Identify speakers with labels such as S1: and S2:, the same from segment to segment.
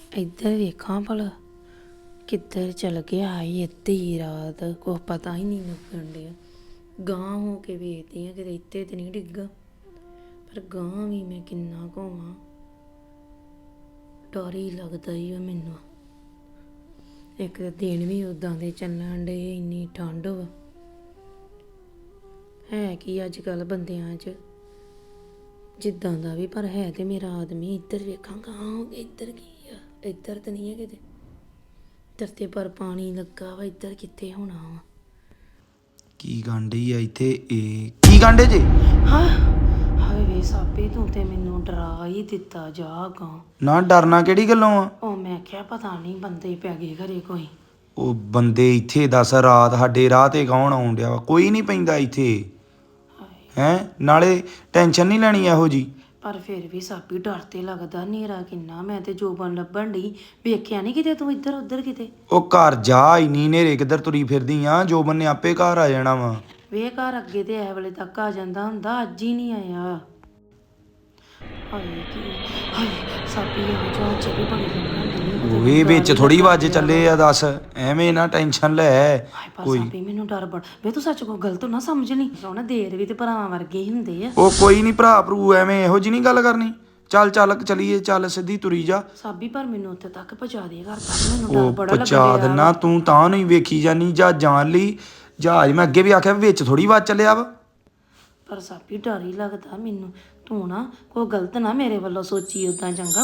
S1: ਇੱਧਰ ਵੇਖਾਂ ਭਲਾ ਕਿੱਧਰ ਚਲ ਗਿਆ ਈ ਅੱਧੀ ਰਾਤ। ਕੁਛ ਪਤਾ ਹੀ ਨਹੀਂ ਲੱਗਣ ਡਿਆ। ਗਾਂ ਹੋ ਕੇ ਵੇਖਦੀ ਆ ਕਿਤੇ ਇੱਥੇ ਤੇ ਨਹੀਂ ਡਿੱਗਾ, ਪਰ ਗਾਂ ਵੀ ਮੈਂ ਕਿੰਨਾ ਘੁੰਮਾਂ, ਡਰ ਹੀ ਲੱਗਦਾ ਹੀ ਆ ਮੈਨੂੰ। ਇੱਕ ਤਾਂ ਦਿਨ ਵੀ ਉਦਾਂ ਦੇ ਚੱਲਣ ਡੇ, ਇੰਨੀ ਠੰਡ ਵਾ। ਹੈ ਕੀ ਅੱਜ ਕੱਲ੍ਹ ਬੰਦਿਆਂ 'ਚ ਜਿੱਦਾਂ ਦਾ ਵੀ, ਪਰ ਹੈ ਤੇ ਮੇਰਾ ਆਦਮੀ। ਇੱਧਰ ਵੇਖਾਂ ਗਾਂ ਹੋ ਕੇ ਇੱਧਰ ਕੀ ਆ? ਇੱਧਰ ਤਾਂ ਨਹੀਂ ਹੈ ਕਿਤੇ। ਇੱਧਰ ਤੇ ਪਰ ਪਾਣੀ ਲੱਗਾ ਵਾ, ਇੱਧਰ ਕਿੱਥੇ ਹੋਣਾ ਵਾ?
S2: ਕੀ ਗਾਂਢੀ ਆ ਇੱਥੇ? ਇਹ ਕੀ ਗਾਂਢੇ ਜੇ?
S1: ਹਾਂ ਹਾਏ ਵੇ ਸਾਪੇ, ਤੂੰ ਤੇ ਮੈਨੂੰ ਡਰਾ ਹੀ ਦਿੱਤਾ। ਜਾ ਗਾਂ।
S2: ਨਾ ਡਰਨਾ ਕਿਹੜੀ ਗੱਲੋਂ ਆ?
S1: ਉਹ ਮੈਂ ਕਿਹਾ ਪਤਾ ਨਹੀਂ ਬੰਦੇ ਪੈ ਗਏ ਘਰੇ ਕੋਈ।
S2: ਉਹ ਬੰਦੇ ਇੱਥੇ ਦੱਸ ਰਾਤ ਸਾਡੇ ਰਾਹ ਤੇ ਕੌਣ ਆਉਣ ਡਿਆ ਵਾ? ਕੋਈ ਨਹੀਂ ਪੈਂਦਾ ਇੱਥੇ। ਹੈ ਨਾਲੇ ਟੈਨਸ਼ਨ ਨਹੀਂ ਲੈਣੀ ਇਹੋ ਜੀ।
S1: ਪਰ ਫਿਰ ਵੀ ਸਾਪੀ ਡਰ ਤੇ ਲੱਗਦਾ। ਹਨੇਰਾ ਕਿੰਨਾ, ਮੈਂ ਤੇ ਜੋਬਨ ਲੱਭਣ ਡਈ, ਵੇਖਿਆ ਨਹੀਂ ਕਿਤੇ ਤੂੰ ਇੱਧਰ ਉੱਧਰ ਕਿਤੇ।
S2: ਉਹ ਘਰ ਜਾ, ਇੰਨੀ ਹਨੇਰੇ ਕਿੱਧਰ ਤੁਰੀ ਫਿਰਦੀ ਆ? ਜੋਬਨ ਨੇ ਆਪੇ ਘਰ ਆ ਜਾਣਾ ਵਾ।
S1: ਵੇ ਘਰ ਅੱਗੇ ਤੇ ਇਹ ਵੇਲੇ ਤੱਕ ਆ ਜਾਂਦਾ ਹੁੰਦਾ, ਅੱਜ ਹੀ ਨਹੀਂ ਆਇਆ। ਹਾਏ ਕੀ ਹਾਏ ਸਾਪੀ ਆ ਜਾ, ਚੱਲੀ ਬੜੀ ਲੱਗਣ
S2: ਓਏ ਵਿੱਚ ਥੋੜੀ ਵੱਜ ਚੱਲੇ ਆ, ਦੱਸ ਐਵੇਂ ਨਾ ਟੈਨਸ਼ਨ ਲੈ
S1: ਕੋਈ। ਸਾਪੀ ਮੈਨੂੰ ਡਰ ਬੜ ਵੇ, ਤੂੰ ਸੱਚ ਕੋ ਗਲਤ ਨਾ ਸਮਝ ਲਈ। ਸੋਹਣਾ ਦੇਰ ਵੀ ਤੇ ਭਰਾਵਾਂ ਵਰਗੇ ਹੀ ਹੁੰਦੇ ਆ।
S2: ਉਹ ਕੋਈ ਨਹੀਂ ਭਰਾ ਭਰੂ, ਐਵੇਂ ਇਹੋ ਜੀ ਨਹੀਂ ਗੱਲ ਕਰਨੀ। ਚੱਲ ਚੱਲ ਚਲੀਏ, ਚੱਲ ਸਿੱਧੀ ਤੁਰੀ ਜਾ।
S1: ਸਾਬੀ ਪਰ ਮੈਨੂੰ ਉੱਥੇ ਤੱਕ ਪਹੁੰਚਾ ਦੇ ਘਰ ਤੱਕ, ਮੈਨੂੰ ਡਰ ਬੜਾ ਲੱਗ
S2: ਪਹੁੰਚਾ ਦਿੰਨਾ, ਤੂੰ ਤਾਂ ਨਹੀਂ ਵੇਖੀ ਜਾਨੀ ਜਾਂ ਜਾਣ ਲਈ ਜਹਾਜ਼। ਮੈਂ ਅੱਗੇ ਵੀ ਆਖਿਆ ਵਿੱਚ ਥੋੜੀ ਵੱਜ ਚੱਲਿਆ ਵਾ।
S1: ਪਰ ਸਾਬੀ ਡਰ ਹੀ ਲੱਗਦਾ ਮੈਨੂੰ। ਤੂੰ ਨਾ ਕੋਈ ਗਲਤ ਨਾ ਮੇਰੇ ਵੱਲੋਂ ਸੋਚੀ ਉਦਾਂ, ਚੰਗਾ?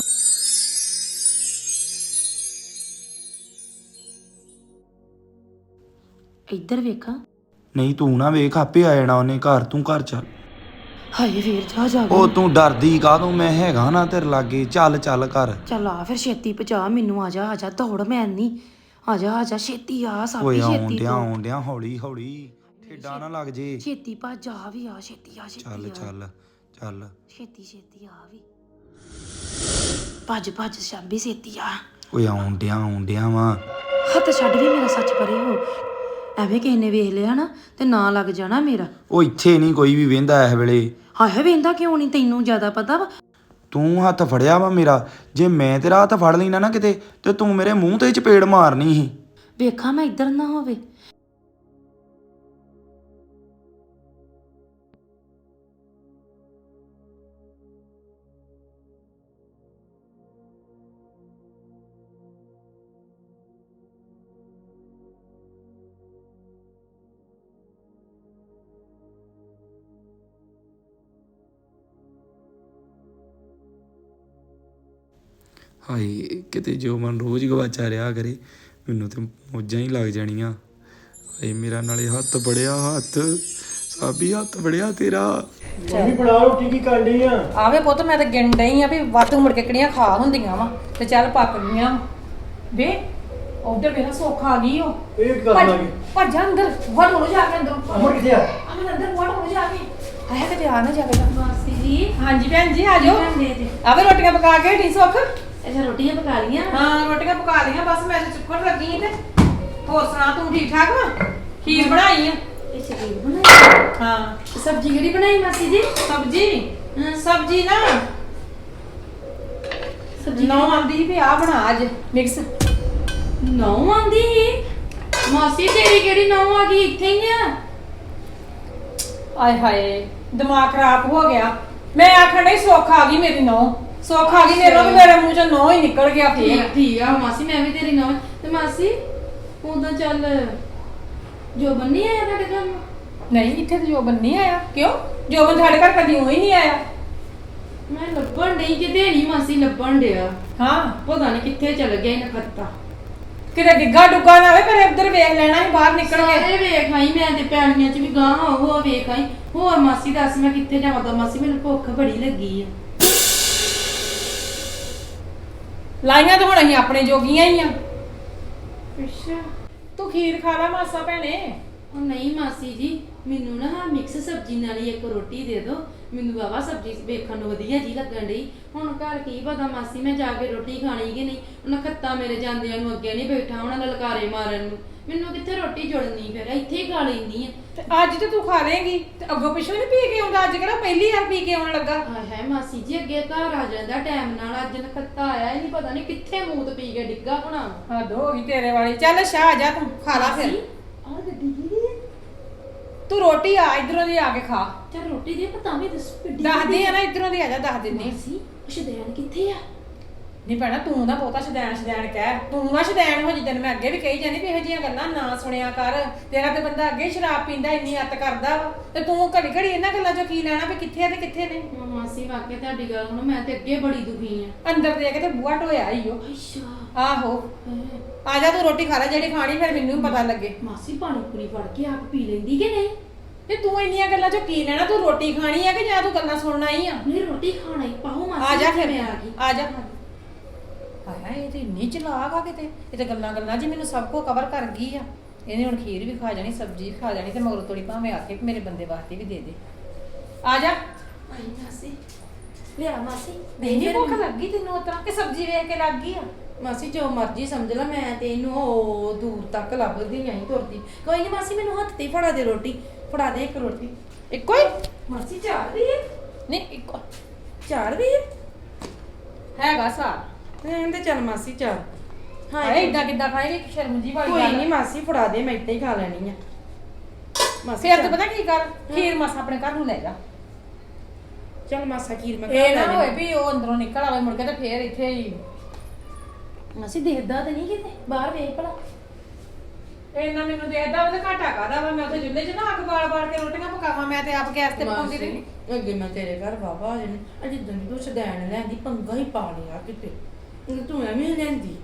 S1: ਇੱਧਰ ਵੇਖਾਂ।
S2: ਨਹੀਂ ਤੂੰ ਨਾ ਵੇਖ, ਆਪੇ ਆ ਜਾਣਾ ਉਹਨੇ ਘਰ। ਤੂੰ ਘਰ ਚੱਲ।
S1: ਹਾਏ ਵੀਰ ਜਾ ਜਾ।
S2: ਉਹ ਤੂੰ ਡਰਦੀ ਕਾਹਤੋਂ? ਮੈਂ ਹੈਗਾ ਨਾ ਤੇਰੇ ਲਾਗੇ। ਚੱਲ ਚੱਲ ਘਰ।
S1: ਚੱਲ ਆ ਫਿਰ ਛੇਤੀ ਪਹੁੰਚਾ ਮੈਨੂੰ। ਆ ਜਾ ਆ ਜਾ, ਦੌੜ ਮੈਂ ਨਹੀਂ। ਆ ਜਾ ਆ ਜਾ, ਛੇਤੀ ਆ ਸਾਬੀ, ਛੇਤੀ
S2: ਆਉਣ ਡਿਆ ਹੌਲੀ ਹੌਲੀ, ਠੇਡਾ ਨਾ ਲੱਗ ਜੇ।
S1: ਛੇਤੀ ਭੱਜ ਆ ਵੀ ਆ, ਛੇਤੀ ਆ ਛੇਤੀ
S2: ਚੱਲ ਚੱਲ ਚੱਲ,
S1: ਛੇਤੀ ਛੇਤੀ ਆ ਵੀ। ਭੱਜ ਭੱਜ ਸਾਬੀ, ਛੇਤੀ ਆ।
S2: ਓਏ ਆਉਣ ਡਿਆ ਵਾ।
S1: ਹੱਥ ਛੱਡ ਵੀ ਮੇਰਾ, ਸੱਚ ਪਰੇ ਹੋ। ਐਵੇਂ ਕਿਸੇ ਨੇ ਵੇਖ ਲਿਆ ਨਾ ਤੇ ਨਾ ਲੱਗ ਜਾਣਾ ਮੇਰਾ।
S2: ਉਹ ਇੱਥੇ ਨਹੀਂ ਕੋਈ ਵੀ ਵੇਂਦਾ ਇਸ ਵੇਲੇ।
S1: ਹਾਏ ਵੇਂਦਾ ਕਿਉਂ ਨਹੀਂ? ਤੈਨੂੰ ਜ਼ਿਆਦਾ ਪਤਾ ਵਾ।
S2: ਤੂੰ ਹੱਥ ਫੜਿਆ ਵਾ ਮੇਰਾ। ਜੇ ਮੈਂ ਤੇਰਾ ਹੱਥ ਫੜ ਲੈਣਾ ਨਾ ਕਿਤੇ, ਤੇ ਤੂੰ ਮੇਰੇ ਮੂੰਹ ਤੇ ਚਪੇੜ ਮਾਰਨੀ ਸੀ।
S1: ਵੇਖਾਂ ਮੈਂ ਇੱਧਰ ਨਾ ਹੋਵੇ।
S2: ਹਾਏ ਕਿਤੇ ਜੋ ਮਨ ਰੋਜ਼ ਗਵਾਚਾ ਰਿਹਾ ਕਰੇ, ਮੈਨੂੰ ਤੇ ਮੌਜਾਂ ਹੀ ਲੱਗ ਜਾਣੀਆਂ। ਹਾਏ ਮੇਰਾ ਨਾਲੇ ਹੱਥ ਬੜਿਆ, ਹੱਥ ਸਾਬੀ ਹੱਥ ਬੜਿਆ ਤੇਰਾ।
S3: ਮੰਮੀ ਬਣਾ ਰੋਟੀ ਕੀ ਕਰਨੀ ਆ?
S4: ਆਵੇ ਪੁੱਤ, ਮੈਂ ਤਾਂ ਗਿਣ ਡਈ ਆ ਵੀ ਵਾਧੂ ਮੁੜ ਕੇ ਕਿਹੜੀਆਂ ਖਾ ਹੁੰਦੀਆਂ ਵਾ ਤੇ ਚੱਲ ਪੱਕ ਗਈਆਂ ਵੇ। ਉਧਰ ਵੇਖ ਸੋਖਾ ਆ ਗਈ। ਉਹ
S3: ਇਹ ਕੀ ਕਰਨ ਲੱਗੀ?
S4: ਭੱਜ ਅੰਦਰ, ਵੜ ਹੋ ਜਾ ਕੇ ਅੰਦਰ।
S3: ਅਮਰ ਕਿੱਥੇ ਆ?
S4: ਅਮਨ ਅੰਦਰ ਵੜ ਹੋ ਜਾ ਕੇ। ਆਇਆ ਕਿਤੇ ਆ ਨਾ ਜਾਵੇ।
S1: ਮਾਸੀ ਜੀ।
S4: ਹਾਂਜੀ ਭੈਣ ਜੀ ਆ ਜਾਓ।
S1: ਦੇ ਦੇ।
S4: ਆਵੇ ਰੋਟੀਆਂ ਪਕਾ ਕੇ ਢੀ ਸੁੱਖ।
S1: ਅੱਛਾ ਰੋਟੀਆਂ ਪਕਾ ਲੀਆਂ?
S4: ਹਾਂ ਰੋਟੀਆਂ ਪਕਾ ਲਈਆਂ, ਬਸ ਮੈਂ ਤਾਂ ਚੁੱਕਣ ਲੱਗੀ ਤੇ। ਹੋਰ ਸੁਣਾ ਤੂੰ ਠੀਕ ਠਾਕ ਵਾ? ਖੀਰ ਬਣਾਈ ਆ।
S1: ਇਹ ਖੀਰ ਬਣਾਈ?
S4: ਹਾਂ।
S1: ਸਬਜ਼ੀ ਕਿਹੜੀ ਬਣਾਈ ਮਾਸੀ ਜੀ?
S4: ਸਬਜ਼ੀ ਨਾ
S1: ਸਬਜ਼ੀ
S4: ਨੌ ਆਂਦੀ ਵੀ ਆ ਬਣਾ ਅੱਜ ਮਿਕਸ।
S1: ਨੌ ਆਂਦੀ ਸੀ? ਮਾਸੀ ਤੇਰੀ ਕਿਹੜੀ ਨੌ ਆ ਗਈ? ਇੱਥੇ ਹੀ ਆ।
S4: ਆਏ ਹਾਏ ਦਿਮਾਗ ਖਰਾਬ ਹੋ ਗਿਆ। ਮੈਂ ਆਖਣ ਡਈ ਸੁੱਖ ਆ ਗਈ ਮੇਰੀ ਨੌ। ਸੁੱਖ ਆ ਗਈ ਮੇਰੇ ਨਾਲ, ਮੇਰੇ ਮੂੰਹ ਚੋਂ ਨੌ ਹੀ ਨਿਕਲ ਗਿਆ ਫੇਰ।
S1: ਠੀਕ ਆ ਮਾਸੀ, ਮੈਂ ਵੀ ਤੇਰੀ ਨੌ। ਤੇ ਮਾਸੀ ਉਦਾਂ ਚੱਲ ਜੋਬਨ ਨਹੀਂ ਆਇਆ ਤੁਹਾਡੇ ਘਰ?
S4: ਨਹੀਂ ਇੱਥੇ ਤੇ ਜੋਬਨ ਨਹੀਂ ਆਇਆ। ਕਿਉਂ? ਜੋਬਨ ਸਾਡੇ ਘਰ ਕਦੀ ਹੀ ਨਹੀਂ ਆਇਆ।
S1: ਮੈਂ ਲੱਭਣ ਡਈ ਕਿਤੇ ਨਹੀਂ ਮਾਸੀ, ਲੱਭਣ ਡਿਆ।
S4: ਹਾਂ
S1: ਪਤਾ ਨਹੀਂ ਕਿੱਥੇ ਚਲ ਗਿਆ ਇਹਨਾਂ ਖੱਤਾ।
S4: ਕਿਤੇ ਡਿੱਗਾ ਡੁੱਗਾ ਨਾ ਹੋਵੇ, ਪਰ ਇੱਧਰ ਵੇਖ ਲੈਣਾ ਸੀ ਬਾਹਰ ਨਿਕਲ ਕੇ।
S1: ਸਾਰੇ ਵੇਖ ਆਈ ਮੈਂ ਤੇ ਪੈਣੀਆਂ ਚ ਵੀ ਗਾਂ ਉਹ ਵੇਖ ਆਈ। ਹੋਰ ਮਾਸੀ ਦੱਸ ਮੈਂ ਕਿੱਥੇ ਜਾਵਾਂ? ਤਾਂ ਮਾਸੀ ਮੈਨੂੰ ਭੁੱਖ ਬੜੀ ਲੱਗੀ ਆ।
S4: ਲਾਈਆਂ ਤਾਂ ਹੁਣ ਅਸੀਂ ਆਪਣੇ ਜੋਗੀਆਂ ਹੀ ਆ।
S1: ਅੱਛਾ।
S4: ਤੂੰ ਖੀਰ ਖਾ ਲੈ ਮਾਸਾ ਭੈਣੇ।
S1: ਉਹ ਨਹੀਂ ਮਾਸੀ ਜੀ,
S5: ਮੈਨੂੰ ਨਾ ਹਾਂ ਮਿਕਸ ਸਬਜ਼ੀ ਨਾਲ ਹੀ ਇੱਕ ਰੋਟੀ ਦੇ ਦਿਓ। ਮੈਨੂੰ ਬਾਬਾ ਸਬਜ਼ੀ ਵੇਖਣ ਨੂੰ ਵਧੀਆ ਜੀ ਲੱਗਣ ਡਈ। ਹੁਣ ਘਰ ਕੀ ਪਤਾ ਮਾਸੀ ਮੈਂ ਜਾ ਕੇ ਰੋਟੀ ਖਾਣੀ ਕਿ ਨਹੀਂ। ਉਹਨਾਂ ਖੱਤਾ ਮੇਰੇ ਜਾਂਦਿਆਂ ਨੂੰ ਅੱਗੇ ਨਹੀਂ ਬੈਠਾ ਉਹਨਾਂ ਲਲਕਾਰੇ ਮਾਰਨ ਨੂੰ। ਮੈਨੂੰ ਕਿੱਥੇ ਰੋਟੀ ਜੁੜਨੀ, ਫਿਰ ਇੱਥੇ ਹੀ ਖਾ ਲੈਂਦੀ ਆ।
S4: ਤੇ ਅੱਜ ਤੇ ਤੂੰ ਖਾ ਲੇਂਗੀ ਤੇ ਅੱਗੋਂ ਪਿੱਛੋਂ ਨਹੀਂ ਪੀ ਕੇ ਆਉਂਦਾ। ਅੱਜ ਕਿਹੜਾ ਪਹਿਲੀ ਵਾਰ ਪੀ ਕੇ ਆਉਣ ਲੱਗਾ।
S5: ਹਾਏ ਹਾਏ ਮਾਸੀ ਜੀ ਅੱਗੇ ਘਰ ਆ ਜਾਂਦਾ ਟਾਈਮ ਨਾਲ, ਅੱਜ ਨਖੱਤਾ ਆਇਆ ਹੀ ਨਹੀਂ, ਪਤਾ ਨਹੀਂ ਕਿੱਥੇ ਮੂਤ ਪੀ ਕੇ ਡਿੱਗਾ ਹੋਣਾ।
S4: ਹੱਦ ਹੋ ਗਈ ਤੇਰੇ ਵਾਲੀ। ਚੱਲ ਸ਼ਾਹ ਆ ਜਾ ਤੂੰ ਖਾ ਲਾ ਫਿਰ।
S5: ਆਹ ਗੱਡੀ ਕੀ ਹੈ?
S4: ਤੂੰ ਰੋਟੀ ਆ ਇਧਰੋਂ ਦੀ ਆ ਕੇ ਖਾ।
S5: ਚੱਲ ਰੋਟੀ ਦੇ ਪਤਾ ਵੀ ਦੱਸ ਗੱਡੀ
S4: ਦੱਸਦੀ ਆ ਨਾ ਇਧਰੋਂ ਦੀ ਆ ਜਾ, ਦੱਸ ਦਿੰਦੀ।
S5: ਮਾਸੀ ਸ਼ਦੈਨ ਕਿੱਥੇ ਆ?
S4: ਨਹੀਂ ਭੈਣਾ ਤੂੰ ਨਾ ਬਹੁਤਾ ਸ਼ਦੈਣ ਕਹਿ। ਤੂੰ ਨਾ ਸ਼ਦੈਣ ਹੋ ਜਿੱਦਣ ਮੈਂ ਅੱਗੇ ਵੀ ਕਹੀ ਜਾਂਦੀ ਵੀ ਇਹੋ ਜਿਹੀਆਂ ਗੱਲਾਂ ਨਾ ਸੁਣਿਆ ਕਰ। ਤੇਰਾ ਤੇ ਬੰਦਾ ਅੱਗੇ ਹੀ ਸ਼ਰਾਬ ਪੀਂਦਾ, ਇੰਨੀ ਅੱਤ ਕਰਦਾ ਵਾ ਤੇ ਤੂੰ ਘੜੀ ਘੜੀ ਇਹਨਾਂ ਗੱਲਾਂ ਚੋਂ ਕੀ ਲੈਣਾ ਵੀ ਕਿੱਥੇ ਆ ਤੇ ਕਿੱਥੇ ਨਹੀਂ।
S5: ਮਾਸੀ ਵਾਕਿਆ ਤੁਹਾਡੀ ਗੱਲ ਹੁਣ ਮੈਂ ਤੇ ਅੱਗੇ ਬੜੀ ਦੁਖੀ ਆ।
S4: ਅੰਦਰ ਦੇ ਕੇ ਤੇ ਬੂਹਾ ਢੋਇਆ ਈ ਓ।
S5: ਅੱਛਾ
S4: ਆਹੋ ਆ ਜਾ ਤੂੰ ਰੋਟੀ ਖਾ ਲੈ ਜਿਹੜੀ ਖਾਣੀ, ਫਿਰ ਮੈਨੂੰ ਵੀ ਪਤਾ ਲੱਗੇ।
S5: ਮਾਸੀ ਪਾਣੀ ਪੂਰੀ ਫੜ ਕੇ ਆਪ ਪੀ ਲੈਂਦੀ ਕਿ ਨਹੀਂ?
S4: ਤੇ ਤੂੰ ਇੰਨੀਆਂ ਗੱਲਾਂ ਚੋਂ ਕੀ ਲੈਣਾ? ਤੂੰ ਰੋਟੀ ਖਾਣੀ ਆ ਕਿ ਜਾਂ ਤੂੰ ਗੱਲਾਂ ਸੁਣਨਾ ਹੀ ਆ?
S5: ਨਹੀਂ ਰੋਟੀ ਖਾਣਾ ਹੀ ਪਾਓ ਮਾਸੀ।
S4: ਆ ਜਾ ਫਿਰ
S5: ਮੈਂ ਆ ਗਈ।
S4: ਆ ਜਾ। ਹਾਏ ਇਹ ਤੇ ਇੰਨੀ ਚਲਾਕ ਆ ਕਿਤੇ। ਇਹ ਤੇ ਗੱਲਾਂ ਜੀ ਮੈਨੂੰ ਸਭ ਕੁਝ ਕਵਰ ਕਰ ਗਈ ਆ। ਇਹਨੇ ਹੁਣ ਖੀਰ ਵੀ ਖਾ ਜਾਣੀ, ਸਬਜ਼ੀ ਵੀ ਖਾ ਜਾਣੀ ਤੇ ਮਗਰੋਂ ਤੋੜੀ ਭਾਵੇਂ ਆਖੇ ਕਿ ਮੇਰੇ ਬੰਦੇ ਵਾਸਤੇ ਵੀ ਦੇ ਦੇ। ਆ ਜਾ।
S5: ਆਈ ਮਾਸੀ ਲਿਆ ਮਾਸੀ।
S4: ਨਹੀਂ ਭੁੱਖ ਲੱਗੀ ਤੈਨੂੰ ਉਤਰਾ ਕਿ ਸਬਜ਼ੀ ਵੇਖ ਕੇ ਲੱਗ ਗਈ ਆ?
S5: ਮਾਸੀ ਜੋ ਮਰਜੀ ਸਮਝ ਲੈ, ਮੈਂ ਤੇ ਇਹਨੂੰ ਉਹ ਦੂਰ ਤੱਕ ਲੱਭਦੀ ਆਈ ਤੁਰਦੀ। ਕੋਈ ਨਹੀਂ ਮਾਸੀ ਮੈਨੂੰ ਹੱਥ ਤੇ ਫੜਾ ਦੇ ਰੋਟੀ, ਫੜਾ ਦੇ ਇੱਕ ਰੋਟੀ।
S4: ਇੱਕੋ ਹੀ?
S5: ਮਾਸੀ ਚਾਰ ਦੀ ਹੈ?
S4: ਨਹੀਂ ਇੱਕੋ
S5: ਚਾਰ ਦੀ ਹੈ?
S4: ਹੈਗਾ ਸਾਰ।
S5: ਤੇ ਚੱਲ ਮਾਸੀ ਚਾਰ।
S4: ਹਾਏ ਇਦਾਂ ਕਿੱਦਾਂ ਖਾਏਗੀ? ਸ਼ਰਮ ਜੀ ਵਾਲੀ
S5: ਕੋਈ
S4: ਗੱਲ
S5: ਨਹੀਂ ਮਾਸੀ ਫੜਾ ਦੇ, ਮੈਂ ਇੱਦਾਂ ਹੀ ਖਾ ਲੈਣੀ ਆ। ਮਾਸੀ
S4: ਫਿਰ ਤੂੰ ਪਤਾ ਕੀ ਕਰ, ਖੀਰ ਮਾਸਾ ਆਪਣੇ ਘਰ ਨੂੰ ਲੈ ਜਾ।
S5: ਚੱਲ ਮਾਸਾ ਖੀਰ ਮੈਂ
S4: ਇਹ ਨਾ ਹੋਏ ਵੀ ਉਹ ਅੰਦਰੋਂ ਨਿਕਲ ਆਵੇ ਮੁੜ ਕੇ ਤੇ ਫੇਰ ਇੱਥੇ ਹੀ।
S5: ਮਾਸੀ ਦੇਖਦਾ ਤਾਂ ਨਹੀਂ ਕਿਤੇ, ਬਾਹਰ ਵੇਖ ਭਲਾ।
S4: ਇੰਨਾ ਮੈਨੂੰ ਦੇਖਦਾ ਵਾ ਤੇ ਘਾਟਾ ਕਾਦਾ ਵਾ। ਮੈਂ ਉੱਥੇ ਚੁੱਲ੍ਹੇ 'ਚ ਨਾ ਅੱਗ ਬਾਲ ਕੇ ਰੋਟੀਆਂ ਪਕਾਵਾਂ, ਮੈਂ ਤੇ ਆਪ ਗੈਸ ਤੇ ਪਕਾਉਂਦੀ ਰਹੀ।
S5: ਅੱਗੇ ਮੈਂ ਤੇਰੇ ਘਰ ਬਾਬਾ ਆ ਜਾਣੀ, ਅਜੇ ਦਿਨ ਤੂੰ ਸ਼ਦੈਣ ਲੈਂਦੀ ਪੰਗਾ ਹੀ ਪਾ ਲਿਆ ਕਿਤੇ। ਤੂੰ ਐਵੇਂ ਲੈਂਦੀ,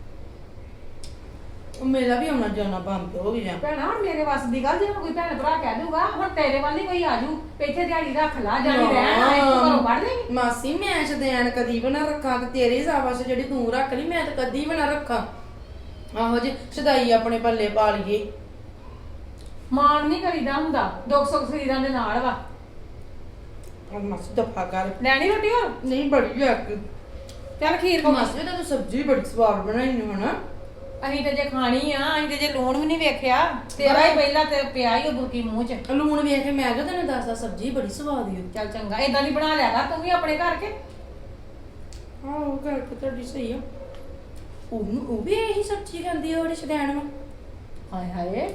S5: ਉਹ ਮੇਰਾ ਵੀ ਆਉਣਾ ਜਾਣਾ ਬੰਦ ਹੋ ਗਿਆ।
S4: ਭੈਣਾ ਹੁਣ ਮੇਰੇ ਵੱਸ ਦੀ ਗੱਲ, ਜੇ ਕੋਈ ਭੈਣ ਭਰਾ ਕਹਿ ਦੂਗਾ ਹੁਣ ਤੇਰੇ ਵੱਲ ਹੀ ਕੋਈ ਆਜੂ ਇੱਥੇ ਦਿਹਾੜੀ ਰੱਖ ਲਾ, ਜਾਣੀ ਰਹਿਣ ਆਏ ਤੂੰ ਘਰੋਂ ਕੱਢ ਦੇਂਗੀ।
S5: ਮਾਸੀ ਮੈਂ ਸ਼ਦੈਣ ਕਦੀ ਵੀ ਨਾ ਰੱਖਾਂ ਤੇ ਤੇਰੇ ਸਾਬਸ ਜਿਹੜੀ ਤੂੰ ਰੱਖ ਲਈ ਮੈਂ ਤਾਂ ਕਦੀ ਵੀ ਨਾ ਰੱਖਾਂ। ਆਹੋ ਜੇ ਸ਼ਦਾਈ ਆਪਣੇ ਪੱਲੇ ਪਾ ਲਈਏ।
S4: ਮਾਣ ਨਹੀਂ ਕਰੀਦਾ ਹੁੰਦਾ, ਦੁੱਖ ਸੁੱਖ ਸਰੀਰਾਂ ਦੇ ਨਾਲ ਵਾ।
S5: ਮਾਸੀ ਦਫਾ ਕਰ।
S4: ਲੈਣੀ ਰੋਟੀ ਹੋਰ?
S5: ਨਹੀਂ ਬੜੀ ਆ।
S4: ਚੱਲ ਖੀਰ ਖਾ।
S5: ਮਾਸੀ ਤਾਂ ਤੂੰ ਸਬਜ਼ੀ ਬੜੀ ਸਵਾਦ ਬਣਾਈ ਨੂੰ ਹਨਾ।
S4: ਅਸੀਂ ਤੇ ਜੇ ਖਾਣੀ ਆ, ਅਸੀਂ ਤੇ ਜੇ ਲੂਣ ਵੀ ਨਹੀਂ ਵੇਖਿਆ। ਤੇਰਾ ਹੀ ਪਹਿਲਾਂ ਤੇ ਪਿਆ ਹੀ ਉਹ ਬੁਰਕੀ ਮੂੰਹ 'ਚ।
S5: ਲੂਣ ਵੇਖ ਕੇ ਮੈਂ ਕਿਹਾ ਤੈਨੂੰ ਦੱਸਦਾ ਸਬਜ਼ੀ ਬੜੀ ਸਵਾਦ ਈ।
S4: ਚੱਲ ਚੰਗਾ ਏਦਾਂ ਦੀ ਬਣਾ ਲਿਆ ਕਰ ਤੂੰ ਵੀ ਆਪਣੇ ਘਰ ਕੇ।
S5: ਹਾਂ ਉਹ ਗੱਲ ਤਾਂ ਤੁਹਾਡੀ ਸਹੀ ਆ। ਉਹ ਵੀ ਇਹੀ ਸਬਜ਼ੀ ਖਾਂਦੀ ਆ ਉਹਦੇ ਸ਼ਦੈਣ ਵਾ।
S4: ਹਾਏ ਹਾਏ